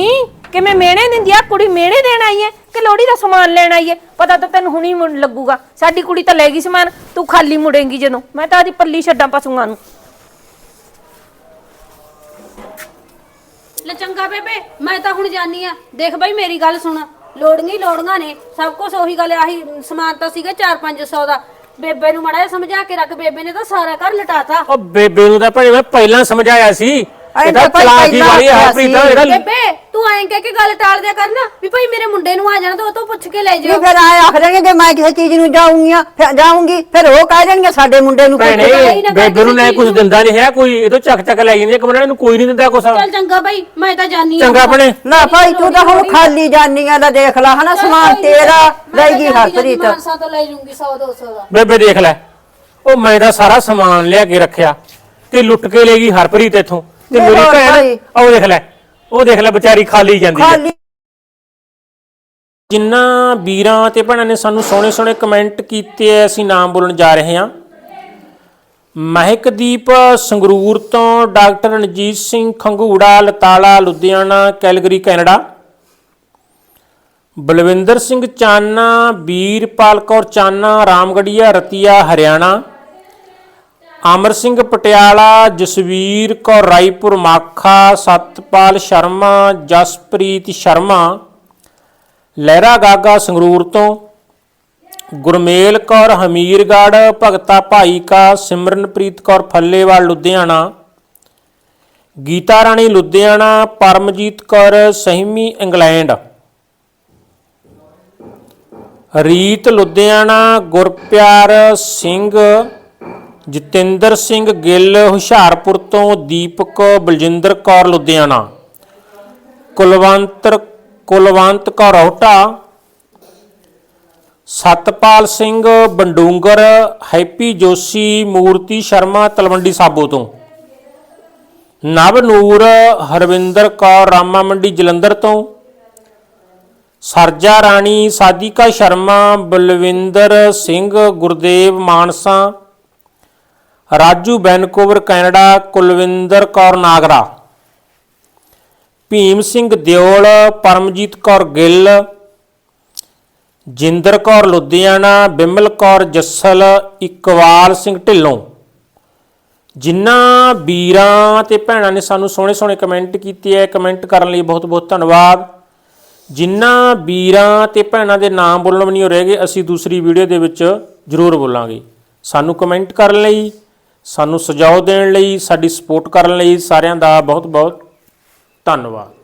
C: ਕਿਵੇਂ ਮਿਹਣੇ ਦਿੰਦੀ ਆ ਕੁੜੀ, ਮਿਹਣੇ ਦੇਣ ਆਈ ਐ ਕਿ ਲੋੜੀ ਦਾ ਸਮਾਨ ਲੈਣ ਆਈ ਐ? ਪਤਾ ਤਾਂ ਤੈਨੂੰ ਹੁਣੀ ਲੱਗੂਗਾ। ਸਾਡੀ ਕੁੜੀ ਤਾਂ ਲੈ ਗਈ ਸਮਾਨ, ਤੂੰ ਖਾਲੀ ਮੁੜੇਂਗੀ ਜਦੋਂ। ਮੈਂ ਤਾਂ ਆਦੀ ਪੱਲੀ ਛੱਡਾਂ ਪਸ਼ੂਆਂ ਨੂੰ।
D: ਲੈ ਚੰਗਾ ਬੇਬੇ, ਮੈਂ ਤਾਂ ਹੁਣ ਜਾਨੀ ਆ। ਦੇਖ ਬਾਈ ਮੇਰੀ ਗੱਲ ਸੁਣ, ਲੋੜੀਆਂ ਨੇ ਸਭ ਕੁਝ ਉਹੀ ਗੱਲ। ਆਹੀ ਸਮਾਨ ਤਾਂ ਸੀਗਾ 4-500 ਦਾ। ਬੇਬੇ ਨੂੰ ਮਾੜਾ ਜਿਹਾ ਸਮਝਾ ਕੇ ਰੱਖ, ਬੇਬੇ ਨੇ ਤਾਂ ਸਾਰਾ ਘਰ ਲਟਾਤਾ।
A: ਉਹ ਬੇਬੇ ਨੂੰ ਤਾਂ ਭਾਈ ਮੈਂ ਪਹਿਲਾਂ ਸਮਝਾਇਆ ਸੀ, ਇਹਦਾ
B: ਭਾਈ
A: ਚਲਾਕੀ
B: ਪਹਿਲਾਂ
A: ਵਾਲੀ ਹਰਪ੍ਰੀਤ ਇਹਦਾ।
D: ਬੇਬੇ ਤੂੰ ਐਂ ਕਹਿ ਕੇ ਗੱਲ ਟਾਲ ਦਿਆ ਕਰਨਾ ਵੀ ਭਾਈ ਮੇਰੇ ਮੁੰਡੇ ਨੂੰ ਆ ਜਾਣਾ ਤਾਂ ਉਹ ਤੋਂ ਪੁੱਛ ਕੇ ਲੈ
B: ਨਹੀਂ
D: ਜਾਓ।
B: ਫਿਰ ਆਏ ਆਖ ਦੇਣਗੇ ਜੇ ਮੈਂ ਕਿਸੇ ਚੀਜ਼ ਨੂੰ ਜਾਊਂਗੀ ਫਿਰ ਉਹ ਕਹਿ ਦੇਣਗੇ ਸਾਡੇ ਮੁੰਡੇ ਨੂੰ
A: ਭੈਣੇ ਬੇਬੇ ਨੂੰ ਨਾ ਕੁਝ ਦਿੰਦਾ ਨਹੀਂ ਹੈ ਕੋਈ, ਇਹ ਤੋਂ ਚੱਕ ਲੈ ਜਾਂਦੀ ਹੈ ਕਮਰੇ ਨੂੰ, ਕੋਈ ਨਹੀਂ ਦਿੰਦਾ ਕੁਛ।
D: ਚੱਲ ਚੰਗਾ ਬਾਈ, ਮੈਂ ਤਾਂ ਜਾਨੀ ਆ।
A: ਚੰਗਾ ਭੈਣੇ।
B: ਨਾ ਭਾਈ ਤੂੰ ਤਾਂ ਹੁਣ ਖਾਲੀ ਜਾਨੀਆਂ ਦਾ ਦੇਖ ਲੈ ਹਨਾ, ਸਮਾਨ ਤੇਰਾ ਲੈ ਗਈ ਹਰਪ੍ਰੀਤ।
D: ਮਾਨਸਾ ਤੋਂ ਲੈ ਜੂੰਗੀ 100-200 ਦਾ।
A: ਬੇਬੇ ਦੇਖ ਲੈ, ਉਹ ਮੈਂ ਤਾਂ ਸਾਰਾ ਸਮਾਨ ਲਿਆ ਕੇ ਰੱਖਿਆ ਤੇ ਲੁੱਟ ਕੇ ਲੈ ਗਈ ਹਰਪ੍ਰੀਤ ਇੱਥੋਂ। ਤੇ
B: ਤੇ
A: ਮੇਰੀ
B: ਹੋਰ
A: ਭੈਣ
B: ਭਾਈ।
A: ਉਹ ਦੇਖ ਲੈ ਵਿਚਾਰੀ ਖਾਲੀ ਜਾਂਦੀ ਹੈ।
B: ਖਾਲੀ
A: ਜਿਨ੍ਹਾਂ ਵੀਰਾਂ ਤੇ ਭੈਣਾਂ ਨੇ ਸਾਨੂੰ ਸੋਹਣੇ ਸੋਹਣੇ ਕਮੈਂਟ ਕੀਤੇ ਐ, ਅਸੀਂ ਨਾਮ ਬੋਲਣ ਜਾ ਰਹੇ ਹਾਂ। ਮਹਿਕਦੀਪ ਸੰਗਰੂਰ ਤੋਂ, doctor Ranjit Singh Khangura Latala Ludhiana Calgary Canada, Balwinder Singh Chana, Veerpal Kaur Chana Ramgarhia Ratia Haryana, Amar Singh Patiala, Jasvir Kaur Raipur Makha, Satpal Sharma, Jaspreet Sharma Lehra Gaga Sangrur ਤੋਂ, ਗੁਰਮੇਲ ਕੌਰ ਹਮੀਰਗੜ੍ਹ, ਭਗਤਾ ਭਾਈ ਕਾ, ਸਿਮਰਨਪ੍ਰੀਤ ਕੌਰ ਫੱਲੇਵਾਲ ਲੁਧਿਆਣਾ, ਗੀਤਾ ਰਾਣੀ ਲੁਧਿਆਣਾ, ਪਰਮਜੀਤ ਕੌਰ ਸਹਿਮੀ ਇੰਗਲੈਂਡ, ਰੀਤ ਲੁਧਿਆਣਾ, ਗੁਰਪਿਆਰ ਸਿੰਘ, ਜਤਿੰਦਰ ਸਿੰਘ ਗਿੱਲ ਹੁਸ਼ਿਆਰਪੁਰ ਤੋਂ, ਦੀਪਕ ਬਲਜਿੰਦਰ ਕੌਰ ਲੁਧਿਆਣਾ, ਕੁਲਵੰਤ ਕੌਰ ਰੋਹਟਾ, ਸਤਪਾਲ ਸਿੰਘ ਬੰਡੂੰਗਰ, ਹੈਪੀ ਜੋਸ਼ੀ, ਮੂਰਤੀ ਸ਼ਰਮਾ ਤਲਵੰਡੀ ਸਾਬੋ ਤੋਂ, ਨਵਨੂਰ ਹਰਵਿੰਦਰ ਕੌਰ ਰਾਮਾ ਮੰਡੀ ਜਲੰਧਰ ਤੋਂ, ਸਰਜਾ ਰਾਣੀ, ਸਾਧਿਕਾ ਸ਼ਰਮਾ, ਬਲਵਿੰਦਰ ਸਿੰਘ ਗੁਰਦੇਵ ਮਾਨਸਾ, ਰਾਜੂ ਵੈਨਕੂਵਰ ਕੈਨੇਡਾ, ਕੁਲਵਿੰਦਰ ਕੌਰ ਨਾਗਰਾ, ਭੀਮ ਸਿੰਘ ਦਿਓਲ, ਪਰਮਜੀਤ ਕੌਰ ਗਿੱਲ, ਜਿੰਦਰ ਕੌਰ ਲੁਧਿਆਣਾ, ਬਿਮਲ ਕੌਰ ਜੱਸਲ, ਇਕਬਾਲ ਸਿੰਘ ਢਿੱਲੋਂ। ਜਿਨ੍ਹਾਂ ਵੀਰਾਂ ਤੇ ਭੈਣਾਂ ਨੇ ਸਾਨੂੰ ਸੋਹਣੇ ਸੋਹਣੇ ਕਮੈਂਟ ਕੀਤੇ ਹੈ, ਕਮੈਂਟ ਕਰਨ ਲਈ ਬਹੁਤ ਬਹੁਤ ਧੰਨਵਾਦ। ਜਿਨ੍ਹਾਂ ਵੀਰਾਂ ਤੇ ਭੈਣਾਂ ਦੇ ਨਾਮ ਬੋਲਣ ਵੀ ਨਹੀਂ ਰਹਿ ਗਏ, ਅਸੀਂ ਦੂਸਰੀ ਵੀਡੀਓ ਦੇ ਵਿੱਚ ਜ਼ਰੂਰ ਬੋਲਾਂਗੇ। ਸਾਨੂੰ ਕਮੈਂਟ ਕਰਨ ਲਈ, ਸਾਨੂੰ ਸੁਝਾਅ ਦੇਣ ਲਈ, ਸਾਡੀ ਸਪੋਰਟ ਕਰਨ ਲਈ ਸਾਰਿਆਂ ਦਾ ਬਹੁਤ ਬਹੁਤ ਧੰਨਵਾਦ।